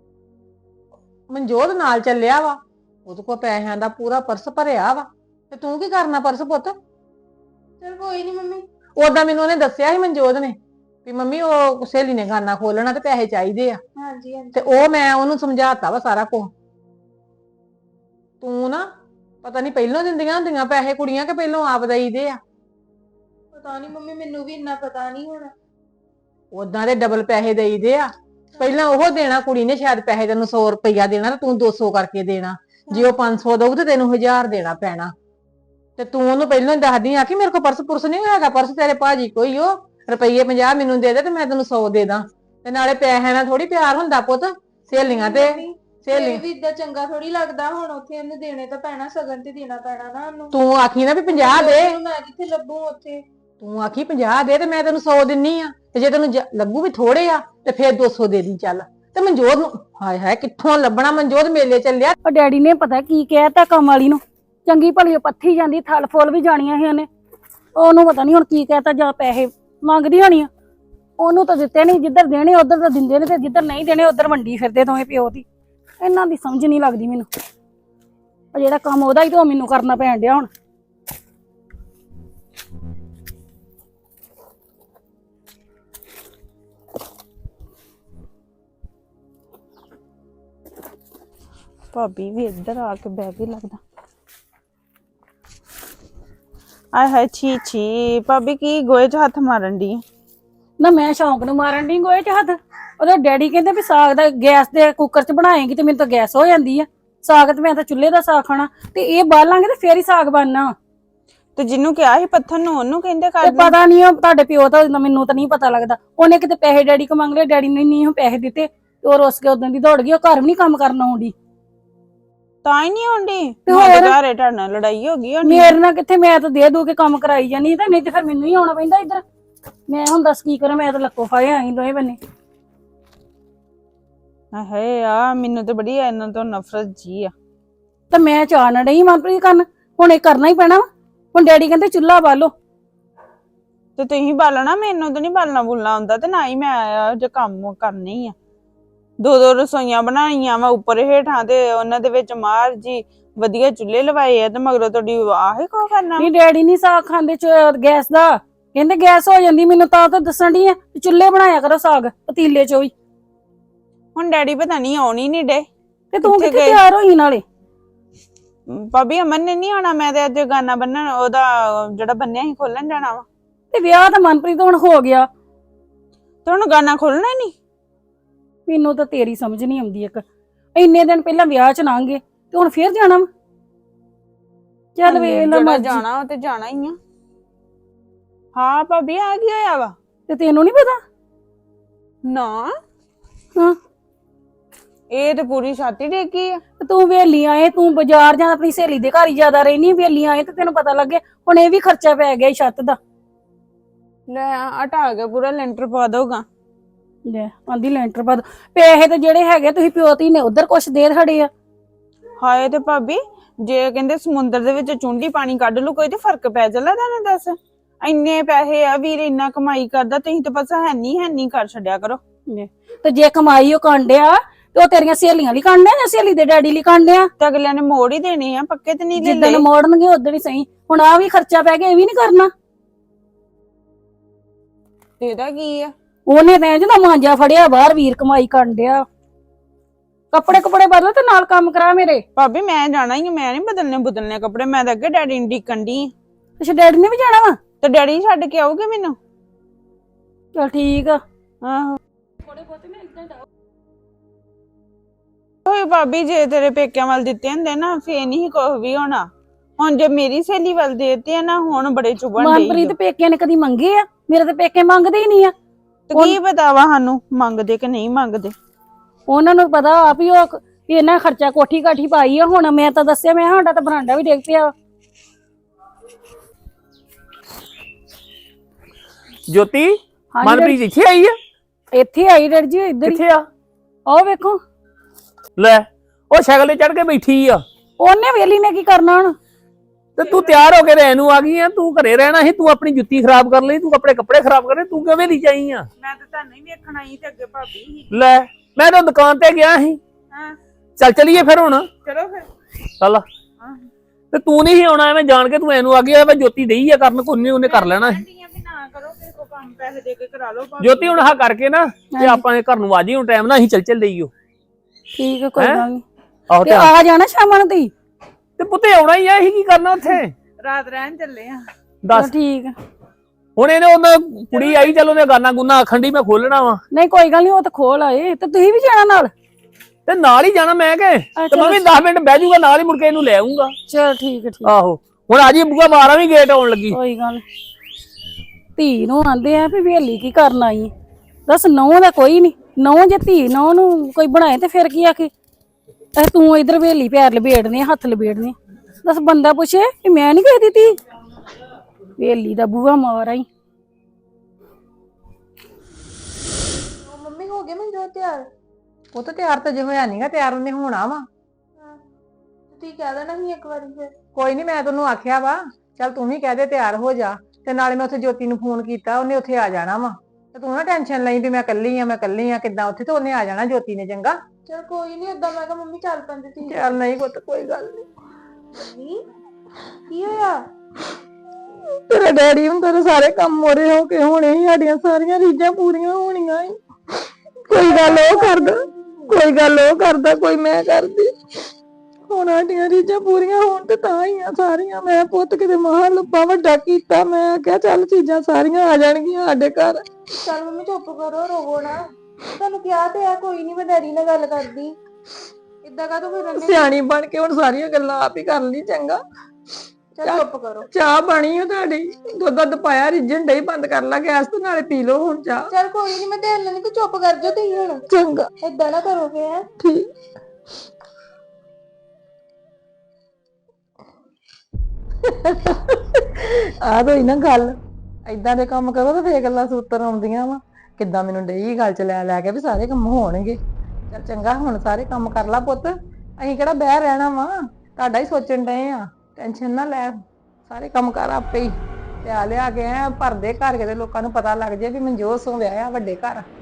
S6: ਮਨਜੋਤ ਨਾਲ ਚੱਲਿਆ ਵਾ, ਉਹਦੇ ਕੋਲ ਪੈਸਿਆਂ ਦਾ ਪੂਰਾ ਪਰਸ ਭਰਿਆ ਵਾ, ਤੇ ਤੂੰ ਕੀ ਕਰਨਾ ਪਰਸ ਪੁੱਤ?
S1: ਚਲ ਕੋਈ ਨਹੀਂ ਮੰਮੀ।
S6: ਉਦਾਂ ਮੈਨੂੰ ਉਹਨੇ ਦੱਸਿਆ ਸੀ ਮਨਜੋਤ ਨੇ ਵੀ ਮੰਮੀ ਉਹ ਸਹੇਲੀ ਨੇ ਗਾਨਾ ਖੋਲਣਾ ਤੇ ਪੈਸੇ ਚਾਹੀਦੇ ਆ,
S1: ਹਾਂਜੀ ਹਾਂਜੀ
S6: ਤੇ ਉਹ ਮੈਂ ਉਹਨੂੰ ਸਮਝਾਤਾ ਵਾ ਸਾਰਾ ਕੁਝ। ਤੂੰ ਨਾ ਪਤਾ ਨਹੀਂ ਪਹਿਲੋਂ ਦਿੰਦੀਆਂ ਹੁੰਦੀਆਂ ਪੈਸੇ ਕੁੜੀਆਂ ਕਿ ਪਹਿਲੋਂ ਆਪ ਦੇਈਦੇ ਆ।
S1: ਪਤਾ ਨਹੀਂ ਮੰਮੀ, ਮੈਨੂੰ ਵੀ ਇੰਨਾ ਪਤਾ ਨਹੀਂ ਹੁਣ।
S6: ਉਦਾਂ ਦੇ ਡਬਲ ਪੈਸੇ ਦੇਈਦੇ ਆ। ਪਹਿਲਾਂ ਉਹ ਦੇਣਾ ਕੁੜੀ ਨੇ, ਸ਼ਾਇਦ ਪੈਸੇ ਤੈਨੂੰ 100 ਰੁਪਇਆ ਦੇਣਾ ਤੇ ਤੂੰ 200 ਕਰਕੇ ਦੇਣਾ। ਜੇ ਉਹ 500 ਦਊ ਤੇ ਤੈਨੂੰ 1000 ਦੇਣਾ ਪੈਣਾ। ਤੇ ਤੂੰ ਉਹਨੂੰ ਪਹਿਲਾਂ ਹੀ ਦੱਸਦੀ ਆ ਕਿ ਮੇਰੇ ਕੋਲ ਪਰਸ ਪੁਰਸ ਨਹੀਂ ਹੈਗਾ, ਪਰਸ ਤੇਰੇ ਭਾਜੀ ਕੋਈ ਉਹ ਰੁਪਈਏ 50 ਮੈਨੂੰ ਦੇ ਦੇ ਤੇ ਮੈਂ ਤੈਨੂੰ 100 ਦੇ ਦਾਂ। ਤੇ ਨਾਲੇ ਪੈਸਿਆਂ ਨਾਲ ਥੋੜੀ ਪਿਆਰ ਹੁੰਦਾ ਪੁੱਤ, ਸਹੇਲੀਆਂ ਤੇ
S1: ਇਹ ਵੀ ਇਦਾਂ ਚੰਗਾ ਥੋੜੀ ਲੱਗਦਾ। ਹੁਣ ਉੱਥੇ ਉਹਨੂੰ ਦੇਣੇ ਤਾਂ ਪੈਣਾ, ਸਗਨ ਤੇ ਦੇਣਾ ਪੈਣਾ ਨਾ ਉਹਨੂੰ।
S6: ਤੂੰ ਆਖੀ ਨਾ ਵੀ 50 ਦੇ,
S1: ਮੈਂ ਜਿੱਥੇ ਲੱਭੂ ਉੱਥੇ।
S6: ਤੂੰ ਆਖੀ 50 ਦੇ ਤੇ ਮੈਂ ਤੈਨੂੰ 100 ਦਿੰਨੀ ਆ, ਤੇ ਜੇ ਤੈਨੂੰ ਲੱਗੂ ਵੀ ਥੋੜੇ ਆ ਤੇ ਫੇਰ 200 ਦੇ ਦੀ ਚੱਲ। ਤੇ ਮਨਜੋਤ ਨੂੰ ਹਾਏ ਹਾਏ ਕਿੱਥੋਂ ਲੱਭਣਾ, ਮਨਜੋਤ ਮੇਲੇ ਚੱਲਿਆ।
S8: ਉਹ ਡੈਡੀ ਨੇ ਪਤਾ ਕੀ ਕਹਿਤਾ ਕੰਮ ਵਾਲੀ ਨੂੰ, ਚੰਗੀ ਭਲੀ ਉਹ ਪੱਥੀ ਜਾਂਦੀ, ਥਲ ਫੁੱਲ ਵੀ ਜਾਣੀਆਂ ਸੀ ਉਹਨੇ। ਉਹਨੂੰ ਪਤਾ ਨਹੀਂ ਹੁਣ ਕੀ ਕਹਿਤਾ, ਜਾਂ ਪੈਸੇ ਮੰਗਦੀ ਹੋਣੀ ਆ। ਉਹਨੂੰ ਤਾਂ ਦਿੱਤੇ ਨਹੀਂ, ਜਿੱਧਰ ਦੇਣੇ ਉਧਰ ਤਾਂ ਦਿੰਦੇ ਨੇ, ਤੇ ਜਿੱਧਰ ਨਹੀਂ ਦੇਣੇ ਉਧਰ ਵੰਡੀ ਫਿਰਦੇ ਦੋਵੇਂ ਪਿਓ ਦੀ। ਇਹਨਾਂ ਦੀ ਸਮਝ ਨਹੀਂ ਲੱਗਦੀ ਮੈਨੂੰ। ਉਹ ਜਿਹੜਾ ਕੰਮ ਉਹਦਾ ਹੀ ਤਾਂ ਉਹ ਮੈਨੂੰ ਕਰਨਾ ਪੈਣ ਡਿਆ ਹੁਣ।
S9: ਭਾਬੀ ਵੀ ਇੱਧਰ ਆ ਕੇ ਬਹਿ ਗਈ ਲੱਗਦਾ। ਆਏ ਹਾਏ ਛੀ ਛੀ, ਭਾਬੀ ਕੀ ਗੋਏ 'ਚ ਹੱਥ ਮਾਰਨ ਦੀ?
S8: ਨਾ ਮੈਂ ਸ਼ੌਂਕ ਨੂੰ ਮਾਰਨ ਦੀ ਗੋਏ 'ਚ ਹੱਥ। ਉਹਦਾ ਡੈਡੀ ਕਹਿੰਦੇ ਵੀ ਸਾਗ ਦਾ ਗੈਸ ਦੇ ਕੁੱਕਰ 'ਚ ਬਣਾਏਗੀ ਤੇ ਮੈਨੂੰ ਤਾਂ ਗੈਸ ਹੋ ਜਾਂਦੀ ਆ। ਸਾਗ ਤੇ ਮੈਂ ਤਾਂ ਚੁੱਲ੍ਹੇ ਦਾ ਸਾਗ ਖਾਣਾ, ਤੇ ਇਹ ਬਾਲਾਂਗੇ ਤੇ ਫੇਰ ਹੀ ਸਾਗ ਬਣਨਾ।
S9: ਤੇ ਜਿਹਨੂੰ ਕਿਹਾ ਸੀ ਪੱਥਰ ਨੂੰ ਉਹਨੂੰ ਕਹਿੰਦੇ ਕਰ
S8: ਤੇ ਪਤਾ ਨਹੀਂ ਉਹ ਤੁਹਾਡੇ ਪਿਓ ਤਾਂ ਮੈਨੂੰ ਤਾਂ ਨਹੀਂ ਪਤਾ ਲੱਗਦਾ। ਉਹਨੇ ਕਿਤੇ ਪੈਸੇ ਡੈਡੀ ਕੋ ਮੰਗ ਲਏ, ਡੈਡੀ ਨੇ ਨਹੀਂ ਉਹ ਪੈਸੇ ਦਿੱਤੇ ਤੇ ਉਹ ਰੁੱਸ ਕੇ ਉਦੋਂ ਦੀ ਦੌੜ ਗਈ। ਉਹ ਘਰ ਵੀ ਨਹੀਂ ਕੰਮ ਕਰਨ ਆਉਂਦੀ।
S9: ਤਾਂ ਹੀ ਨਹੀਂ ਆਉਂਦੀ
S8: ਤੇ ਹੋਰ?
S9: ਘਰੇ ਤੁਹਾਡੇ ਨਾਲ ਲੜਾਈ ਹੋ ਗਈ ਹੋਣੀ।
S8: ਮੇਰੇ ਨਾਲ ਕਿੱਥੇ, ਮੈਂ ਤਾਂ ਦੇ ਦੂ ਕੇ ਕੰਮ ਕਰਾਈ ਜਾਨੀ ਤਾਂ, ਨਹੀਂ ਤੇ ਫਿਰ ਮੈਨੂੰ ਹੀ ਆਉਣਾ ਪੈਂਦਾ ਇੱਧਰ। ਮੈਂ ਹੁਣ ਦੱਸ ਕੀ ਕਰਾਂ, ਮੈਂ ਤਾਂ ਲੱਕੋ ਫਾਏ ਆਈ ਦੋਵੇਂ ਬੰਨੇ।
S9: ਹਾਏ ਆ ਮੈਨੂੰ ਤੇ ਬੜੀ ਇਹਨਾਂ ਤੋਂ ਨਫ਼ਰਤ ਜੀ ਆ।
S8: ਤੇ ਮੈਂ ਚਾਹ ਨਾ ਡਈ ਮਨਪ੍ਰੀਤ ਕਰਨ, ਹੁਣ ਇਹ ਕਰਨਾ ਹੀ ਪੈਣਾ ਵਾ। ਹੁਣ ਡੈਡੀ ਕਹਿੰਦੇ ਚੁੱਲ੍ਹਾ ਬਾਲੋ।
S9: ਤੇ ਤੁਸੀਂ ਬਾਲਣਾ, ਮੈਨੂੰ ਤਾਂ ਨਹੀਂ ਬਾਲਣਾ ਬੁਲਣਾ ਆਉਂਦਾ, ਤੇ ਨਾ ਹੀ ਮੈਂ ਆਇਆ ਜੇ ਕੰਮ ਕਰਨੀ ਆ। ਦੋ ਰਸੋਈਆਂ ਬਣਾਈਆਂ ਵਾ ਉੱਪਰ ਹੇਠਾਂ, ਤੇ ਉਹਨਾਂ ਦੇ ਵਿੱਚ ਮਾਰ ਜੀ ਵਧੀਆ ਚੁੱਲ੍ਹੇ ਲਵਾਏ ਆ, ਤੇ ਮਗਰੋਂ ਤੁਹਾਡੀ ਆਹੇ ਕੋ ਕਰਨਾ?
S8: ਨਹੀਂ ਡੈਡੀ ਨਹੀਂ ਸਾਗ ਖਾਂਦੇ ਗੈਸ ਦਾ, ਕਹਿੰਦੇ ਗੈਸ ਹੋ ਜਾਂਦੀ। ਮੈਨੂੰ ਤਾਂ ਦੱਸਣ ਡਈ ਆ ਚੁੱਲ੍ਹੇ ਬਣਾਇਆ ਕਰੋ ਸਾਗ ਪਤੀਲੇ ਚੋਂ ਹੀ।
S9: ਹੁਣ ਡੈਡੀ ਪਤਾ ਨਹੀਂ ਆਉਣੀ ਨਹੀਂ ਡੇ।
S8: ਤੇ ਤੂੰ
S9: ਕਿੱਥੇ
S8: ਕਿੱਥੇ
S9: ਗਏ?
S8: ਤਿਆਰ ਹੋਈ ਨਾਲੇ?
S9: ਭਾਬੀ ਅਮਨ ਨੇ ਨਹੀਂ ਆਉਣਾ, ਮੈਂ ਤੇ ਅੱਜ ਗਾਨਾ ਬੰਨਣ ਉਹਦਾ ਜਿਹੜਾ ਬੰਨਿਆ ਸੀ ਖੋਲਣ ਜਾਣਾ ਵਾ।
S8: ਤੇ ਵਿਆਹ ਤਾਂ ਮਨਪ੍ਰੀਤ ਹੁਣ ਹੋ ਗਿਆ,
S9: ਤੇ ਹੁਣ ਗਾਨਾ ਖੋਲਣਾ ਨਹੀਂ?
S8: ਮੈਨੂੰ ਤਾਂ ਤੇਰੀ ਸਮਝ ਨਹੀਂ ਆਉਂਦੀ। ਇੱਕ ਇੰਨੇ ਦਿਨ ਪਹਿਲਾਂ ਵਿਆਹ ਚ ਲੰਘੇ ਤੇ ਹੁਣ ਫੇਰ ਜਾਣਾ ਵਾ। ਚੱਲ ਵੇਖ ਲੈ
S9: ਜਿਹੜਾ
S8: ਮਰਜ਼ੀ।
S9: ਜਾਣਾ ਉਹ ਤੇ ਜਾਣਾ ਹੀ ਆ। ਹਾਂ ਭਾਬੀ ਆ ਕੀ ਹੋਇਆ ਵਾ?
S8: ਤੇ ਤੈਨੂੰ ਨਹੀਂ ਪਤਾ?
S9: ਨਾ
S8: ਹਾਂ,
S9: ਇਹ ਤੇ ਪੂਰੀ ਛਾਤੀ ਡੇਗੀ ਆ।
S8: ਤੇ ਤੂੰ ਵੇਲੀ ਆਏ, ਤੂੰ ਬਾਜ਼ਾਰ ਜਾਂ ਆਪਣੀ ਸਹੇਲੀ ਦੇ ਘਰ ਹੀ ਜ਼ਿਆਦਾ ਰਹਿਨੀ। ਵੇਲੀ ਆਏ ਤੇ ਤੈਨੂੰ ਪਤਾ ਲੱਗੇ। ਹੁਣ ਇਹ ਵੀ ਖਰਚਾ ਪੈ ਗਿਆ ਛੱਤ ਦਾ।
S9: ਲੈ ਹਟਾ ਕੇ ਪੂਰਾ ਲੈਂਟਰ ਪਾ ਦੋਗਾ।
S8: ਲੈ ਆਂਦੀ ਲੈਂਟਰ ਪਾ ਦੋ। ਪੈਸੇ ਤੇ ਜਿਹੜੇ ਹੈਗੇ ਤੁਸੀਂ ਪਿਓ ਧੀ ਨੇ ਉਧਰ ਕੁਛ ਦੇ ਖੜੇ ਆ।
S9: ਹਾਏ ਤੇ ਭਾਬੀ ਜੇ ਕਹਿੰਦੇ ਸਮੁੰਦਰ ਦੇ ਵਿੱਚ ਚੁੰਡੀ ਪਾਣੀ ਕੱਢ ਲੂ ਕੋਈ ਤੇ ਫਰਕ ਪੈ ਚੱਲਾ ਤੈਨੂੰ ਦੱਸ। ਇੰਨੇ ਪੈਸੇ ਆ ਵੀਰ, ਇੰਨਾ ਕਮਾਈ ਕਰਦਾ, ਤੁਸੀਂ ਤੇ ਬਸ ਹੈ ਨਹੀਂ ਕਰ ਛੱਡਿਆ ਕਰੋ।
S8: ਤੇ ਜੇ ਕਮਾਈ ਉਹ ਕਾਂਡਿਆ ਤੇ ਉਹ ਤੇਰੀਆਂ ਸਹੇਲੀਆਂ ਲਈ ਕਾਂਡਿਆ ਜਾਂ ਸਹੇਲੀ ਦੇ ਡੈਡੀ ਲਈ ਕਾਂਡਿਆ?
S9: ਤੇ ਅਗਲਿਆਂ ਨੇ ਮੋੜ ਹੀ ਦੇਣੇ ਆ, ਪੱਕੇ ਤੇ ਨਹੀਂ
S8: ਜਿੱਦਣ
S9: ਲੈਂਦੇ।
S8: ਮੋੜਨਗੇ ਉਦੋਂ ਹੀ ਸਹੀ। ਹੁਣ ਆ ਵੀ ਖਰਚਾ ਪੈ ਗਿਆ, ਇਹ ਵੀ ਨਹੀਂ ਕਰਨਾ।
S9: ਇਹਦਾ ਕੀ ਆ?
S8: ਉਹਨੇ ਤਾਂ ਜਦੋਂ ਮਾਂਜਾ ਫੜਿਆ ਬਾਹਰ, ਵੀਰ ਕਮਾਈ ਕਾਂਡਿਆ। ਕੱਪੜੇ ਬਦਲ ਤੇ ਨਾਲ ਕੰਮ ਕਰਾ ਮੇਰੇ।
S9: ਭਾਬੀ ਮੈਂ ਜਾਣਾ ਹੀ ਆ, ਮੈਂ ਨਹੀਂ ਬਦਲਨੇ ਕੱਪੜੇ। ਮੈਂ ਤਾਂ ਅੱਗੇ ਡੈਡੀ ਨੂੰ ਡੀਕਣ ਡਈ ਆਂ।
S8: ਅੱਛਾ ਡੈਡੀ ਨੇ ਵੀ ਜਾਣਾ ਵਾ?
S9: ਤੇ ਡੈਡੀ ਛੱਡ ਕੇ ਆਉਗੇ ਮੈਨੂੰ।
S8: ਚਲ ਠੀਕ ਆ।
S9: ਆਹੋ ਓਏ ਭਾਬੀ ਜੇ ਤੇਰੇ ਪੇਕਿਆਂ ਵੱਲ ਦਿੱਤੇ ਹੁੰਦੇ ਨਾ ਫੇਰ ਨਹੀਂ ਕੁਝ ਵੀ ਹੋਣਾ। ਹੁਣ ਜੇ ਮੇਰੀ ਸਹੇਲੀ ਵੱਲ ਦੇਤੇ ਆ ਨਾ, ਹੁਣ ਬੜੇ ਚੁਭਣ ਡਏ।
S8: ਮਨਪ੍ਰੀਤ ਪੇਕਿਆਂ ਨੇ ਕਦੀ ਮੰਗੇ ਆ? ਮੇਰੇ ਤਾਂ ਪੇਕੇ ਮੰਗਦੇ ਹੀ ਨਹੀਂ ਆ।
S9: ਤੇ ਕੀ ਪਤਾ ਵਾ ਸਾਨੂੰ ਮੰਗਦੇ ਕਿ ਨਹੀਂ ਮੰਗਦੇ।
S8: ਉਹਨਾਂ ਨੂੰ ਪਤਾ ਆ ਵੀ ਉਹ ਇਹਨਾਂ ਖਰਚਾ ਕੋਠੀ ਕਾਠੀ ਪਾਈ ਆ। ਹੁਣ ਮੈਂ ਤਾਂ ਦੱਸਿਆ, ਮੈਂ ਸਾਡਾ ਤਾਂ ਬਰਾਂਡਾ ਵੀ ਡਿੱਗ ਪਿਆ।
S10: ਜੋਤੀ
S8: ਹਾਂਜੀ
S10: ਮਨਪ੍ਰੀਤ ਇੱਥੇ ਆਈ ਆ?
S8: ਇੱਥੇ ਆਈ ਡੈਡੀ ਜੀ, ਇੱਧਰ ਹੀ।
S10: ਕਿੱਥੇ ਆ?
S8: ਆਓ ਵੇਖੋ।
S10: ਲੈ ਉਹ ਸਾਈਕਲ ਤੇ ਚੜ ਕੇ ਬੈਠੀ ਆ।
S8: ਉਹਨੇ ਵੇਲੀ ਨੇ ਕੀ ਕਰਨਾ ਹੁਣ?
S10: ਤੇ ਤੂੰ ਤਿਆਰ ਹੋ ਕੇ ਰਹਿਣ ਨੂੰ ਆ ਗਈ ਆ? ਤੂੰ ਘਰੇ ਰਹਿਣਾ ਸੀ, ਤੂੰ ਆਪਣੀ ਜੁੱਤੀ ਖਰਾਬ ਕਰ ਲਈ, ਤੂੰ ਕੱਪੜੇ ਖਰਾਬ ਕਰ ਲਏ, ਤੂੰ ਕਿਵੇਂ ਦੀ ਚਾਹੀ ਆ?
S9: ਮੈਂ ਤਾਂ ਤੁਹਾਨੂੰ ਹੀ ਵੇਖਣ ਆਈ ਤੇ ਅੱਗੇ ਭਾਬੀ ਹੀ।
S10: ਲੈ ਮੈਂ ਤਾਂ ਦੁਕਾਨ ਤੇ ਗਿਆ ਸੀ।
S9: ਹਾਂ
S10: ਚੱਲ ਚਲੀਏ ਫਿਰ ਹੁਣ।
S9: ਚਲੋ ਫਿਰ।
S10: ਚੱਲ ਤੇ ਤੂੰ ਨਹੀਂ ਸੀ ਆਉਣਾ, ਐਵੇਂ ਜਾਣ ਕੇ ਤੂੰ ਐਨੂੰ ਆ ਗਿਆ। ਜੋਤੀ ਡਈ ਆ ਕਰਨ, ਕੋਈ ਉਹਨੇ ਕਰ ਲੈਣਾ ਸੀ।
S9: ਨਾ ਕਰੋ ਕਿਸੇ ਕੋ ਕੰਮ, ਪੈਸੇ ਦੇ ਕੇ ਕਰਾ ਲਓ।
S10: ਜੋਤੀ ਹੁਣ ਆਹ ਕਰਕੇ ਨਾ ਤੇ ਆਪਾਂ ਘਰ ਨੂੰ ਆ ਜੀ। ਹੁਣ ਟਾਈਮ ਨਾਲ ਅਸੀਂ ਚੱਲ ਲਈਓ।
S8: ਠੀਕ ਹੈ, ਕੋਈ ਗੱਲ ਨਹੀਂ।
S10: ਆਹੋ
S8: ਤੇ ਆ ਜਾਣਾ ਸ਼ਾਮਾਂ ਨੂੰ ਤੀ।
S10: ਤੇ ਪੁੱਤੇ ਆਉਣਾ ਹੀ ਆ, ਅਸੀਂ ਕੀ ਕਰਨਾ ਉੱਥੇ?
S9: ਰਾਤ ਰਹਿਣ ਚੱਲੇ ਆ।
S10: ਦੱਸ
S8: ਠੀਕ ਆ।
S10: ਹੁਣ ਇਹਨੇ ਉਹਨਾਂ ਕੁੜੀ ਆਈ, ਚਲ ਉਹਨੇ ਗਾਨਾ ਗੁਨਾ ਆਖਣ ਦੀ ਮੈਂ ਖੋਲਣਾ ਵਾ।
S8: ਨਹੀਂ ਕੋਈ ਗੱਲ ਨਹੀਂ, ਉਹ ਤਾਂ ਖੋਲ ਆਏ। ਤੇ ਤੁਸੀਂ ਵੀ ਜਾਣਾ ਨਾਲ?
S10: ਤੇ ਨਾਲ ਹੀ ਜਾਣਾ ਮੈਂ ਕਿ ਤੇ ਮੈਂ ਵੀ 10 ਮਿੰਟ ਬਹਿ ਜਾਊਗਾ ਨਾਲ ਹੀ, ਮੁੜ ਕੇ ਇਹਨੂੰ ਲੈ ਆਉਂਗਾ।
S8: ਚਲ ਠੀਕ ਹੈ, ਠੀਕ।
S10: ਆਹੋ ਹੁਣ ਆ ਜੀ ਬੂਆ ਮਾਰਾਂ ਵੀ ਗੇਟ ਆਉਣ ਲੱਗੀ।
S8: ਕੋਈ ਗੱਲ ਨੀ। ਧੀ ਨੂੰ ਆਂਦੇ ਆ ਵੀ ਵੇਲੀ ਕੀ ਕਰਨ ਆਈ? ਦੱਸ ਨਹੁੰ ਦਾ ਕੋਈ ਨਹੀਂ। ਨਹੁੰ ਜੇ ਧੀ ਨਹੁੰ ਨੂੰ ਕੋਈ ਬਣਾਏ ਤੇ ਫਿਰ ਕੀ ਆਖੇ? ਤੂੰ ਇਧਰ ਵੇਲੀ ਪੈਰ ਲਬੇੜਨੇ, ਹੱਥ ਲਬੇੜਨੇ। ਦੱਸ ਬੰਦਾ ਪੁੱਛੇ ਕਿ ਮੈਂ ਨਹੀਂ ਕਹਿ ਦਿੱਤੀ? ਵੇਲੀ ਦਾ ਬੂਹਾ ਮਾਰ ਆਈ।
S6: ਮੰਮੀ ਹੋ ਗਏ ਮੈਨੂੰ ਤਿਆਰ? ਉਹ ਤਾਂ ਤਿਆਰ ਤਾਂ ਜੇ ਹੋਇਆ ਨਹੀਂਗਾ, ਤਿਆਰ ਉਹਨੇ ਹੋਣਾ ਵਾ।
S7: ਤੁਸੀਂ ਕਹਿ ਦੇਣਾ ਸੀ ਇੱਕ ਵਾਰੀ ਫਿਰ।
S6: ਕੋਈ ਨਹੀਂ, ਮੈਂ ਤੈਨੂੰ ਆਖਿਆ ਵਾ ਚੱਲ ਤੂੰ ਵੀ ਕਹਿ ਦੇ ਤਿਆਰ ਹੋ ਜਾ, ਤੇ ਨਾਲੇ ਮੈਂ ਉੱਥੇ ਜੋਤੀ ਨੂੰ ਫੋਨ ਕੀਤਾ, ਉਹਨੇ ਉੱਥੇ ਆ ਜਾਣਾ ਵਾ, ਤੇ ਤੂੰ ਨਾ ਟੈਨਸ਼ਨ ਲਈ ਵੀ ਮੈਂ ਇਕੱਲੀ ਆ ਕਿੱਦਾਂ ਉੱਥੇ, ਤੇ ਉਹਨੇ ਆ ਜਾਣਾ ਜੋਤੀ ਨੇ। ਚੰਗਾ
S7: ਚਲ ਕੋਈ ਨਹੀਂ, ਏਦਾਂ ਮੈਂ ਕਿਹਾ ਮੰਮੀ ਚੱਲ ਪੈਂਦੇ ਤੁਸੀਂ।
S6: ਚੱਲ ਨਹੀਂ ਪੁੱਤ, ਕੋਈ ਗੱਲ ਨਹੀਂ।
S7: ਮੰਮੀ ਕੀ ਹੋਇਆ?
S6: ਤੇਰਾ ਡੈਡੀ ਹੁੰਦਾ ਤੇ ਸਾਰੇ ਕੰਮ ਮੋਰੇ ਹੋ ਕੇ ਹੋਣੇ ਸੀ, ਸਾਡੀਆਂ ਸਾਰੀਆਂ ਰੀਝਾਂ ਪੂਰੀਆਂ ਹੋਣੀਆਂ ਸੀ। ਕੋਈ ਗੱਲ ਉਹ ਕਰਦਾ, ਕੋਈ ਮੈਂ ਕਰਦੀ। ਹੁਣ ਸਾਡੀਆਂ ਰੀਝਾਂ ਪੂਰੀਆਂ ਹੋਣ ਤੇ ਤਾਂ ਹੀ ਆ ਸਾਰੀਆਂ। ਮੈਂ ਪੁੱਤ ਕਿਤੇ ਮਹਾਂ ਲੱਭਾ ਵੱਡਾ ਕੀਤਾ, ਮੈਂ ਆਖਿਆ ਚੱਲ ਚੀਜ਼ਾਂ ਸਾਰੀਆਂ ਆ ਜਾਣਗੀਆਂ ਸਾਡੇ ਘਰ।
S7: ਚੱਲ ਮੰਮੀ ਚੁੱਪ ਕਰੋ, ਰੋਵੋ ਨਾ। ਤੁਹਾਨੂੰ ਕਿਹਾ ਤੇ ਆ, ਕੋਈ ਨਹੀਂ, ਮੈਂ ਡੈਡੀ ਨਾਲ ਗੱਲ ਕਰਦੀ। ਇਦਾਂ ਕਾ ਤੂੰ ਫਿਰ
S6: ਸਿਆਣੀ ਬਣ ਕੇ ਹੁਣ ਸਾਰੀਆਂ ਗੱਲਾਂ ਆਪ ਹੀ ਕਰ ਲਈ। ਚੰਗਾ
S7: ਚੱਲ ਚੁੱਪ ਕਰੋ।
S6: ਚਾਹ ਬਣੀ ਹੋ ਤੁਹਾਡੀ, ਦੁੱਧ ਪਾਇਆ, ਰਿੱਝਣ ਡਈ, ਬੰਦ ਕਰ ਲਾ ਗੈਸ ਤੇ ਨਾਲੇ ਪੀ ਲਓ ਹੁਣ ਚਾਹ।
S7: ਚੱਲ ਕੋਈ ਨਹੀਂ, ਮੈਂ ਦੇਖ ਲੈਣੀ, ਤੂੰ ਚੁੱਪ ਕਰ ਜਾ ਤੁਸੀਂ ਹੁਣ।
S6: ਚੰਗਾ
S7: ਏਦਾਂ ਨਾ ਕਰੋਗੇ ਹੈ।
S6: ਠੀਕ। ਆ ਤਾਂ ਨਾ ਗੱਲ, ਏਦਾਂ ਦੇ ਕੰਮ ਕਰੋ ਤਾਂ ਫੇਰ ਗੱਲਾਂ ਸੂਤਰ ਆਉਂਦੀਆਂ ਵਾ। ਕਿੱਦਾਂ ਮੈਨੂੰ ਡਈ ਗੱਲ ਚ ਲੈ ਕੇ ਵੀ ਸਾਰੇ ਕੰਮ ਹੋਣਗੇ। ਚੱਲ ਚੰਗਾ, ਹੁਣ ਸਾਰੇ ਕੰਮ ਕਰ ਲਾ ਪੁੱਤ, ਅਸੀਂ ਕਿਹੜਾ ਬਹਿ ਰਹਿਣਾ ਵਾ, ਤੁਹਾਡਾ ਹੀ ਸੋਚਣ ਡਏ ਆ। ਟੈਨਸ਼ਨ ਨਾ ਲੈ, ਸਾਰੇ ਕੰਮ ਕਰ ਆਪੇ ਹੀ। ਲਿਆ ਕੇ ਭਰਦੇ ਘਰ, ਕਿਤੇ ਲੋਕਾਂ ਨੂੰ ਪਤਾ ਲੱਗ ਜੇ ਵੀ ਮਨਜੋਤ ਸੋ ਵਿਆਹਿਆ ਵੱਡੇ ਘਰ।